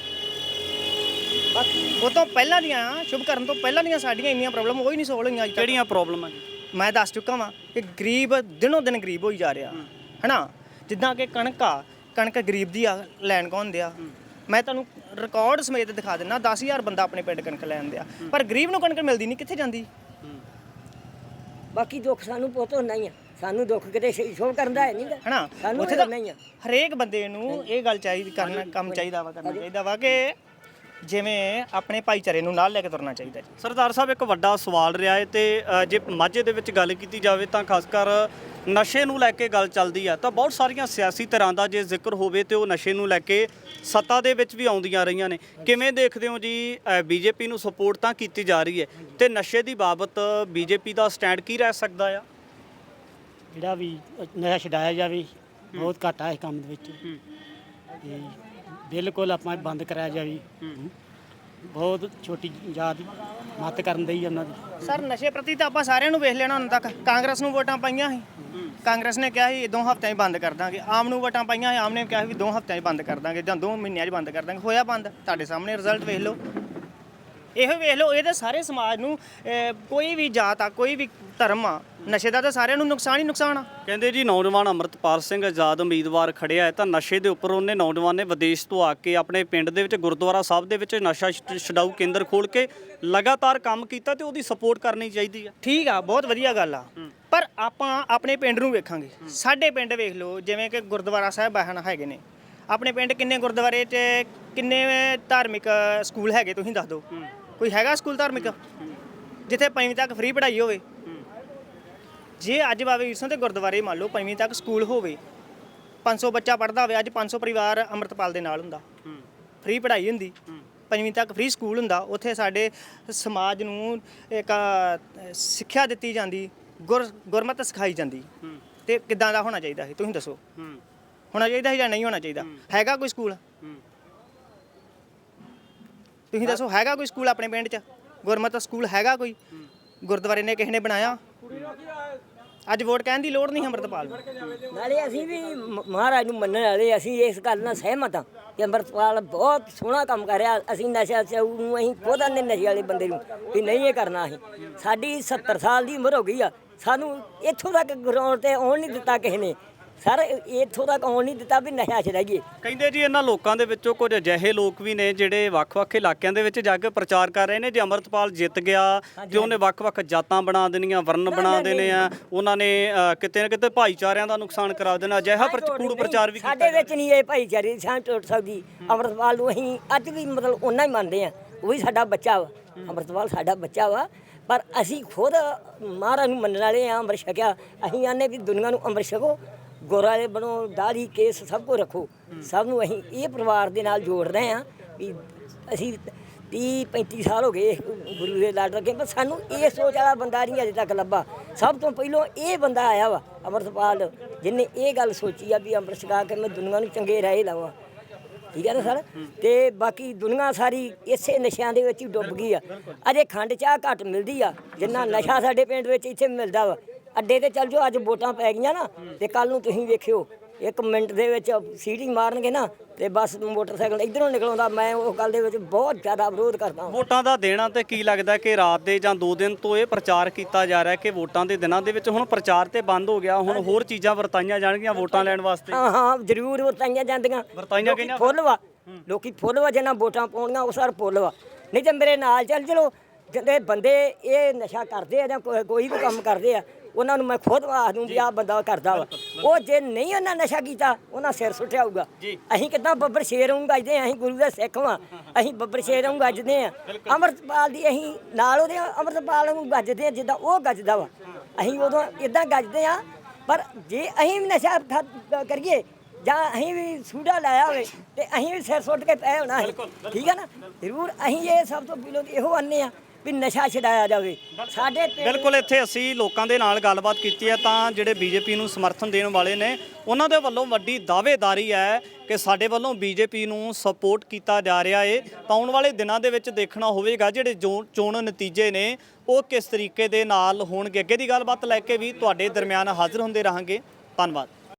B: ਉਹ ਤੋਂ ਪਹਿਲਾਂ ਦੀਆਂ, ਸ਼ੁਭ ਕਰਨ ਤੋਂ ਪਹਿਲਾਂ ਦੀਆਂ ਸਾਡੀਆਂ ਇੰਨੀਆਂ ਪ੍ਰੋਬਲਮ ਉਹ ਹੀ ਨਹੀਂ ਸੋਲਵ ਹੋਈਆਂ।
A: ਕਿਹੜੀਆਂ ਪ੍ਰੋਬਲਮਾਂ ਜੀ?
B: ਮੈਂ ਦੱਸ ਚੁੱਕਾ ਵਾਂ ਕਿ ਗਰੀਬ ਦਿਨੋਂ ਦਿਨ ਗਰੀਬ ਹੋਈ ਜਾ ਰਿਹਾ ਹਨਾ। ਜਿੱਦਾਂ ਕਿ ਕਣਕ ਗਰੀਬ ਦੀ ਆ, ਲੈਣ ਕੌਣ ਦਿਆ? ਮੈਂ ਤੁਹਾਨੂੰ ਰਿਕਾਰਡ ਸਮੇਤ ਦਿਖਾ ਦਿੰਦਾ, 10,000 ਬੰਦਾ ਆਪਣੇ ਪਿੰਡ ਕਣਕ ਲੈਣ ਦਿਆ, ਪਰ ਗਰੀਬ ਨੂੰ ਕਣਕ ਮਿਲਦੀ ਨਹੀਂ, ਕਿੱਥੇ ਜਾਂਦੀ?
C: ਬਾਕੀ ਦੁੱਖ ਸਾਨੂੰ ਪੁੱਤ ਹੁੰਦਾ ਹੀ ਆ। ਸਾਨੂੰ ਦੁੱਖ ਕਿਤੇ ਸ਼ੋਅ ਕਰਦਾ ਹੈ ਨਹੀਂਗਾ
B: ਹਨਾ। ਉੱਥੇ ਤਾਂ ਹਰੇਕ ਬੰਦੇ ਨੂੰ ਇਹ ਗੱਲ ਚਾਹੀਦੀ ਕਰਨਾ, ਕੰਮ ਚਾਹੀਦਾ ਵਾ ਕਿ ਜਿਵੇਂ ਆਪਣੇ ਭਾਈਚਾਰੇ ਨੂੰ ਨਾਲ ਲੈ ਕੇ ਤੁਰਨਾ ਚਾਹੀਦਾ ਜੀ।
A: ਸਰਦਾਰ ਸਾਹਿਬ ਇੱਕ ਵੱਡਾ ਸਵਾਲ ਰਿਹਾ ਹੈ ਤੇ ਜੇ ਮਾਝੇ ਦੇ ਵਿੱਚ ਗੱਲ ਕੀਤੀ ਜਾਵੇ ਤਾਂ ਖਾਸ ਕਰ ਨਸ਼ੇ ਨੂੰ ਲੈ ਕੇ ਗੱਲ ਚੱਲਦੀ ਆ ਤਾਂ ਬਹੁਤ ਸਾਰੀਆਂ ਸਿਆਸੀ ਧਿਰਾਂ ਦਾ ਜੇ ਜ਼ਿਕਰ ਹੋਵੇ ਤੇ ਉਹ ਨਸ਼ੇ ਨੂੰ ਲੈ ਕੇ ਸੱਤਾ ਦੇ ਵਿੱਚ ਵੀ ਆਉਂਦੀਆਂ ਰਹੀਆਂ ਨੇ। ਕਿਵੇਂ ਦੇਖਦੇ ਹੋ ਜੀ ਬੀਜੇਪੀ ਨੂੰ ਸਪੋਰਟ ਤਾਂ ਕੀਤੀ ਜਾ ਰਹੀ ਹੈ ਤੇ ਨਸ਼ੇ ਦੀ ਬਾਬਤ ਬੀਜੇਪੀ ਦਾ ਸਟੈਂਡ ਕੀ ਰਹਿ ਸਕਦਾ ਆ?
E: ਜਿਹੜਾ ਵੀ ਨਸ਼ਾ ਛਡਾਇਆ ਜਾਵੇ ਬਹੁਤ ਘਾਟਾ ਇਸ ਕੰਮ ਦੇ ਵਿੱਚ ਤੇ ਬਿਲਕੁਲ ਆਪਾਂ ਬੰਦ ਕਰਾਇਆ ਜਾਵੇ। ਬਹੁਤ ਛੋਟੀ ਜਾਤ ਮੱਤ ਕਰਨ ਦੀ ਉਹਨਾਂ ਦੀ।
B: ਸਰ ਨਸ਼ੇ ਪ੍ਰਤੀ ਤਾਂ ਆਪਾਂ ਸਾਰਿਆਂ ਨੂੰ ਵੇਖ ਲੈਣਾ ਹੁਣ ਤੱਕ। ਕਾਂਗਰਸ ਨੂੰ ਵੋਟਾਂ ਪਾਈਆਂ ਸੀ, ਕਾਂਗਰਸ ਨੇ ਕਿਹਾ ਸੀ 2 ਹਫ਼ਤਿਆਂ 'ਚ ਬੰਦ ਕਰ ਦਾਂਗੇ। ਆਮ ਨੂੰ ਵੋਟਾਂ ਪਾਈਆਂ ਸੀ, ਆਮ ਨੇ ਕਿਹਾ ਸੀ 2 ਹਫ਼ਤਿਆਂ 'ਚ ਬੰਦ ਕਰ ਦਾਂਗੇ ਜਾਂ 2 ਮਹੀਨਿਆਂ 'ਚ ਬੰਦ ਕਰ ਦਾਂਗੇ। ਹੋਇਆ ਬੰਦ, ਤੁਹਾਡੇ ਸਾਹਮਣੇ ਰਿਜ਼ਲਟ ਵੇਖ ਲਓ। ਇਹੋ ਵੇਖ ਲਓ, ਇਹਦੇ ਸਾਰੇ ਸਮਾਜ ਨੂੰ ਕੋਈ ਵੀ ਜਾਤ ਆ, ਕੋਈ ਵੀ ਧਰਮ ਆ, ਨਸ਼ੇ ਦਾ ਤਾਂ ਸਾਰਿਆਂ ਨੂੰ ਨੁਕਸਾਨ ਹੀ ਨੁਕਸਾਨ ਆ।
A: ਕਹਿੰਦੇ ਜੀ ਨੌਜਵਾਨ ਅੰਮ੍ਰਿਤਪਾਲ ਸਿੰਘ ਆਜ਼ਾਦ ਉਮੀਦਵਾਰ ਖੜਿਆ ਹੈ ਤਾਂ ਨਸ਼ੇ ਦੇ ਉੱਪਰ ਉਹਨੇ ਨੌਜਵਾਨ ਨੇ ਵਿਦੇਸ਼ ਤੋਂ ਆ ਕੇ ਆਪਣੇ ਪਿੰਡ ਦੇ ਵਿੱਚ ਗੁਰਦੁਆਰਾ ਸਾਹਿਬ ਦੇ ਵਿੱਚ ਨਸ਼ਾ ਛਡਾਊ ਕੇਂਦਰ ਖੋਲ੍ਹ ਕੇ ਲਗਾਤਾਰ ਕੰਮ ਕੀਤਾ ਤੇ ਉਹਦੀ ਸਪੋਰਟ ਕਰਨੀ ਚਾਹੀਦੀ ਆ।
B: ਠੀਕ ਆ, ਬਹੁਤ ਵਧੀਆ ਗੱਲ ਆ, ਪਰ ਆਪਾਂ ਆਪਣੇ ਪਿੰਡ ਨੂੰ ਵੇਖਾਂਗੇ। ਸਾਡੇ ਪਿੰਡ ਵੇਖ ਲਓ, ਜਿਵੇਂ ਕਿ ਗੁਰਦੁਆਰਾ ਸਾਹਿਬ ਹੈਗੇ ਨੇ ਆਪਣੇ ਪਿੰਡ। ਕਿੰਨੇ ਗੁਰਦੁਆਰੇ 'ਚ ਕਿੰਨੇ ਧਾਰਮਿਕ ਸਕੂਲ ਹੈਗੇ ਤੁਸੀਂ ਦੱਸ ਦਿਓ। ਕੋਈ ਹੈਗਾ ਸਕੂਲ ਧਾਰਮਿਕ ਜਿੱਥੇ 5ਵੀਂ ਤੱਕ ਫ੍ਰੀ ਪੜ੍ਹਾਈ ਹੋਵੇ? ਜੇ ਅੱਜ ਬਾਬਾ ਵੀਰ ਸਿੰਘ ਦੇ ਗੁਰਦੁਆਰੇ ਮੰਨ ਲਓ 5ਵੀਂ ਤੱਕ ਸਕੂਲ ਹੋਵੇ, 500 ਬੱਚਾ ਪੜ੍ਹਦਾ ਹੋਵੇ, ਅੱਜ 500 ਪਰਿਵਾਰ ਅੰਮ੍ਰਿਤਪਾਲ ਦੇ ਨਾਲ ਹੁੰਦਾ, ਫ੍ਰੀ ਪੜ੍ਹਾਈ ਹੁੰਦੀ, 5ਵੀਂ ਤੱਕ ਫ੍ਰੀ ਸਕੂਲ ਹੁੰਦਾ, ਉੱਥੇ ਸਾਡੇ ਸਮਾਜ ਨੂੰ ਇੱਕ ਸਿੱਖਿਆ ਦਿੱਤੀ ਜਾਂਦੀ, ਗੁਰਮਤਿ ਸਿਖਾਈ ਜਾਂਦੀ। ਤੇ ਕਿੱਦਾਂ ਦਾ ਹੋਣਾ ਚਾਹੀਦਾ ਸੀ ਤੁਸੀਂ ਦੱਸੋ? ਹੋਣਾ ਚਾਹੀਦਾ ਸੀ ਜਾਂ ਨਹੀਂ ਹੋਣਾ ਚਾਹੀਦਾ? ਹੈਗਾ ਕੋਈ ਸਕੂਲ? ਤੁਸੀਂ ਦੱਸੋ, ਹੈਗਾ ਕੋਈ ਸਕੂਲ ਆਪਣੇ ਪਿੰਡ 'ਚ? ਗੁਰਮਤਿ ਸਕੂਲ ਹੈਗਾ ਕੋਈ? ਗੁਰਦੁਆਰੇ ਨੇ ਕਿਸੇ ਨੇ ਬਣਾਇਆ? ਅੱਜ ਵੋਟ ਕਹਿਣ ਦੀ ਲੋੜ ਨਹੀਂ ਅੰਮ੍ਰਿਤਪਾਲ ਨੂੰ।
C: ਨਾਲੇ ਅਸੀਂ ਵੀ ਮਹਾਰਾਜ ਨੂੰ ਮੰਨਣ ਵਾਲੇ, ਅਸੀਂ ਇਸ ਗੱਲ ਨਾਲ ਸਹਿਮਤ ਹਾਂ ਕਿ ਅੰਮ੍ਰਿਤਪਾਲ ਬਹੁਤ ਸੋਹਣਾ ਕੰਮ ਕਰ ਰਿਹਾ। ਅਸੀਂ ਨਸ਼ਾ ਛਡਾਊ ਨੂੰ ਅਸੀਂ ਖੁਦ ਆਨੇ ਨਸ਼ੇ ਵਾਲੇ ਬੰਦੇ ਨੂੰ ਵੀ ਨਹੀਂ ਇਹ ਕਰਨਾ। ਅਸੀਂ ਸਾਡੀ 70 ਸਾਲ ਦੀ ਉਮਰ ਹੋ ਗਈ ਆ, ਸਾਨੂੰ ਇੱਥੋਂ ਤੱਕ ਗਰਾਊਂਡ ਤੇ ਆਉਣ ਨਹੀਂ ਦਿੱਤਾ ਕਿਸੇ ਨੇ। ਸਰ ਇੱਥੋਂ ਤੱਕ ਆਉਣ ਨਹੀਂ ਦਿੱਤਾ ਵੀ ਨਸ਼ਾ ਛਡਾਈਏ।
A: ਕਹਿੰਦੇ ਜੀ ਇਹਨਾਂ ਲੋਕਾਂ ਦੇ ਵਿੱਚੋਂ ਕੁਝ ਅਜਿਹੇ ਲੋਕ ਵੀ ਨੇ ਜਿਹੜੇ ਵੱਖ-ਵੱਖ ਇਲਾਕਿਆਂ ਦੇ ਵਿੱਚ ਜਾ ਕੇ ਪ੍ਰਚਾਰ ਕਰ ਰਹੇ ਨੇ ਜੇ ਅੰਮ੍ਰਿਤਪਾਲ ਜਿੱਤ ਗਿਆ ਤੇ ਉਹਨੇ ਵੱਖ-ਵੱਖ ਜਾਤਾਂ ਬਣਾ ਦੇਣੀਆਂ, ਵਰਨ ਬਣਾ ਦੇਣੇ ਆ, ਉਹਨਾਂ ਨੇ ਕਿਤੇ ਨਾ ਕਿਤੇ ਭਾਈਚਾਰਿਆਂ ਦਾ ਨੁਕਸਾਨ ਕਰਾ ਦੇਣਾ। ਅਜਿਹਾ ਕੂੜ ਪ੍ਰਚਾਰ ਵੀ ਕੀਤਾ
C: ਸਾਡੇ ਵਿੱਚ ਨਹੀਂ ਇਹ ਭਾਈਚਾਰੇ ਦੀ ਸਾਂਝ ਟੁੱਟ ਸਕਦੀ। ਅੰਮ੍ਰਿਤਪਾਲ ਨੂੰ ਅਸੀਂ ਅੱਜ ਵੀ ਮਤਲਬ ਓਨਾ ਹੀ ਮੰਨਦੇ ਆ, ਉਹ ਵੀ ਸਾਡਾ ਬੱਚਾ ਵਾ, ਅੰਮ੍ਰਿਤਪਾਲ ਸਾਡਾ ਬੱਚਾ ਵਾ। ਪਰ ਅਸੀਂ ਖੁਦ ਮਹਾਰਾਜ ਨੂੰ ਮੰਨਣ ਵਾਲੇ ਆ, ਅੰਮ੍ਰਿਤ ਛਕਿਆ। ਅਸੀਂ ਆਨੇ ਵੀ ਦੁਨੀਆ ਨੂੰ ਅੰਮ੍ਰਿਤ ਛਕੋ, ਗੋਰਾਲੇ ਬਣੋ, ਦਾੜੀ ਕੇਸ ਸਭ ਕੁਝ ਰੱਖੋ। ਸਭ ਨੂੰ ਅਸੀਂ ਇਹ ਪਰਿਵਾਰ ਦੇ ਨਾਲ ਜੋੜ ਰਹੇ ਹਾਂ ਵੀ ਅਸੀਂ 30-35 ਸਾਲ ਹੋ ਗਏ ਗੁਰੂ ਦੇ ਲੜ ਰੱਖੇ, ਪਰ ਸਾਨੂੰ ਇਹ ਸੋਚ ਵਾਲਾ ਬੰਦਾ ਨਹੀਂ ਅਜੇ ਤੱਕ ਲੱਭਾ। ਸਭ ਤੋਂ ਪਹਿਲਾਂ ਇਹ ਬੰਦਾ ਆਇਆ ਵਾ ਅੰਮ੍ਰਿਤਪਾਲ, ਜਿਹਨੇ ਇਹ ਗੱਲ ਸੋਚੀ ਆ ਵੀ ਅੰਮ੍ਰਿਤ ਛਕਾ ਕੇ ਮੈਂ ਦੁਨੀਆ ਨੂੰ ਚੰਗੇ ਰਾਹ ਲਾਵਾਂ। ਠੀਕ ਹੈ ਨਾ ਸਰ? ਤੇ ਬਾਕੀ ਦੁਨੀਆ ਸਾਰੀ ਇਸੇ ਨਸ਼ਿਆਂ ਦੇ ਵਿੱਚ ਹੀ ਡੁੱਬ ਗਈ ਆ। ਅਜੇ ਖੰਡ ਚਾਹ ਘੱਟ ਮਿਲਦੀ ਆ ਜਿੰਨਾ ਨਸ਼ਾ ਸਾਡੇ ਪਿੰਡ ਵਿੱਚ ਇੱਥੇ ਮਿਲਦਾ ਵਾ। ਅੱਡੇ ਤੇ ਚੱਲ ਜਾਓ, ਅੱਜ ਵੋਟਾਂ ਪੈ ਗਈਆਂ ਨਾ ਤੇ ਕੱਲ ਨੂੰ ਤੁਸੀਂ ਵੇਖਿਓ 1 ਮਿੰਟ ਦੇ ਵਿੱਚ ਸੀਟੀ ਮਾਰਨਗੇ ਨਾ ਤੇ ਬਸ ਮੋਟਰਸਾਈਕਲ ਇਧਰੋਂ ਨਿਕਲਉਂਦਾ। ਮੈਂ ਉਹ ਗੱਲ ਦੇ ਵਿੱਚ ਬਹੁਤ ਜ਼ਿਆਦਾ ਵਿਰੋਧ ਕਰਦਾ।
A: ਵੋਟਾਂ ਦਾ ਦੇਣਾ ਤੇ ਕੀ ਲੱਗਦਾ ਕਿ ਰਾਤ ਦੇ ਜਾਂ 2 ਦਿਨ ਤੋਂ ਇਹ ਪ੍ਰਚਾਰ ਕੀਤਾ ਜਾ ਰਿਹਾ ਕਿ ਵੋਟਾਂ ਦੇ ਦਿਨਾਂ ਦੇ ਵਿੱਚ ਹੁਣ ਪ੍ਰਚਾਰ ਤੇ ਬੰਦ ਹੋ ਗਿਆ, ਹੁਣ ਹੋਰ ਚੀਜ਼ਾਂ ਵਰਤਾਈਆਂ ਜਾਣਗੀਆਂ ਵੋਟਾਂ ਲੈਣ ਵਾਸਤੇ?
C: ਹਾਂ ਜ਼ਰੂਰ ਵਰਤਾਈਆਂ ਜਾਂਦੀਆਂ।
A: ਵਰਤਾਈਆਂ ਗਈਆਂ
C: ਫੁੱਲ ਵਾ, ਲੋਕੀ ਫੁੱਲ ਵਾ, ਜਿਹਨਾਂ ਵੋਟਾਂ ਪਾਉਣੀਆਂ ਉਹ ਸਰ ਫੁੱਲ ਵਾ। ਨਹੀਂ ਤੇ ਮੇਰੇ ਨਾਲ ਚੱਲ ਚਲੋ, ਜਿਹੜੇ ਬੰਦੇ ਇਹ ਨਸ਼ਾ ਕਰਦੇ ਆ ਜਾਂ ਕੋਈ ਵੀ ਕੰਮ ਕਰਦੇ ਆ, ਉਹਨਾਂ ਨੂੰ ਮੈਂ ਖੁਦ ਆਖ ਦੂੰ ਵੀ ਆਹ ਬੰਦਾ ਕਰਦਾ ਵਾ। ਉਹ ਜੇ ਨਹੀਂ ਉਹਨਾਂ ਨਸ਼ਾ ਕੀਤਾ ਉਹਨਾਂ ਸਿਰ ਸੁੱਟਿਆ ਹੋਊਗਾ। ਅਸੀਂ ਕਿੱਦਾਂ ਬੱਬਰ ਸ਼ੇਰ ਨੂੰ ਗੱਜਦੇ ਆ? ਅਸੀਂ ਗੁਰੂ ਦੇ ਸਿੱਖ ਵਾਂ, ਅਸੀਂ ਬੱਬਰ ਸ਼ੇਰ ਨੂੰ ਗੱਜਦੇ ਆ। ਅੰਮ੍ਰਿਤਪਾਲ ਦੀ ਅਸੀਂ ਨਾਲ ਉਹਦੇ ਅੰਮ੍ਰਿਤਪਾਲ ਨੂੰ ਗੱਜਦੇ ਆ ਜਿੱਦਾਂ ਉਹ ਗੱਜਦਾ ਵਾ। ਅਸੀਂ ਉਦੋਂ ਇਦਾਂ ਗੱਜਦੇ ਆ। ਪਰ ਜੇ ਅਸੀਂ ਵੀ ਨਸ਼ਾ ਕਰੀਏ ਜਾਂ ਅਸੀਂ ਵੀ ਸੂਡਾ ਲਾਇਆ ਹੋਵੇ ਤੇ ਅਸੀਂ ਵੀ ਸਿਰ ਸੁੱਟ ਕੇ ਪਏ ਹੋਣਾ ਹੈ। ਠੀਕ ਹੈ ਨਾ? ਜ਼ਰੂਰ ਅਸੀਂ ਇਹ ਸਭ ਤੋਂ ਪਹਿਲਾਂ ਇਹੋ ਆਨੇ ਆ ਵੀ ਨਸ਼ਾ ਛਡਾਇਆ ਜਾਵੇ ਸਾਡੇ।
A: ਬਿਲਕੁਲ ਇੱਥੇ ਅਸੀਂ ਲੋਕਾਂ ਦੇ ਨਾਲ ਗੱਲਬਾਤ ਕੀਤੀ ਹੈ ਤਾਂ ਜਿਹੜੇ ਬੀਜੇਪੀ ਨੂੰ ਸਮਰਥਨ ਦੇਣ ਵਾਲੇ ਨੇ ਉਹਨਾਂ ਦੇ ਵੱਲੋਂ ਵੱਡੀ ਦਾਅਵੇਦਾਰੀ ਹੈ ਕਿ ਸਾਡੇ ਵੱਲੋਂ ਬੀਜੇਪੀ ਨੂੰ ਸਪੋਰਟ ਕੀਤਾ ਜਾ ਰਿਹਾ ਹੈ। ਤਾਂ ਆਉਣ ਵਾਲੇ ਦਿਨਾਂ ਦੇ ਵਿੱਚ ਦੇਖਣਾ ਹੋਵੇਗਾ ਜਿਹੜੇ ਚੋਣ ਨਤੀਜੇ ਨੇ ਉਹ ਕਿਸ ਤਰੀਕੇ ਦੇ ਨਾਲ ਹੋਣਗੇ। ਅੱਗੇ ਦੀ ਗੱਲਬਾਤ ਲੈ ਕੇ ਵੀ ਤੁਹਾਡੇ ਦਰਮਿਆਨ ਹਾਜ਼ਰ ਹੁੰਦੇ ਰਹਾਂਗੇ। ਧੰਨਵਾਦ।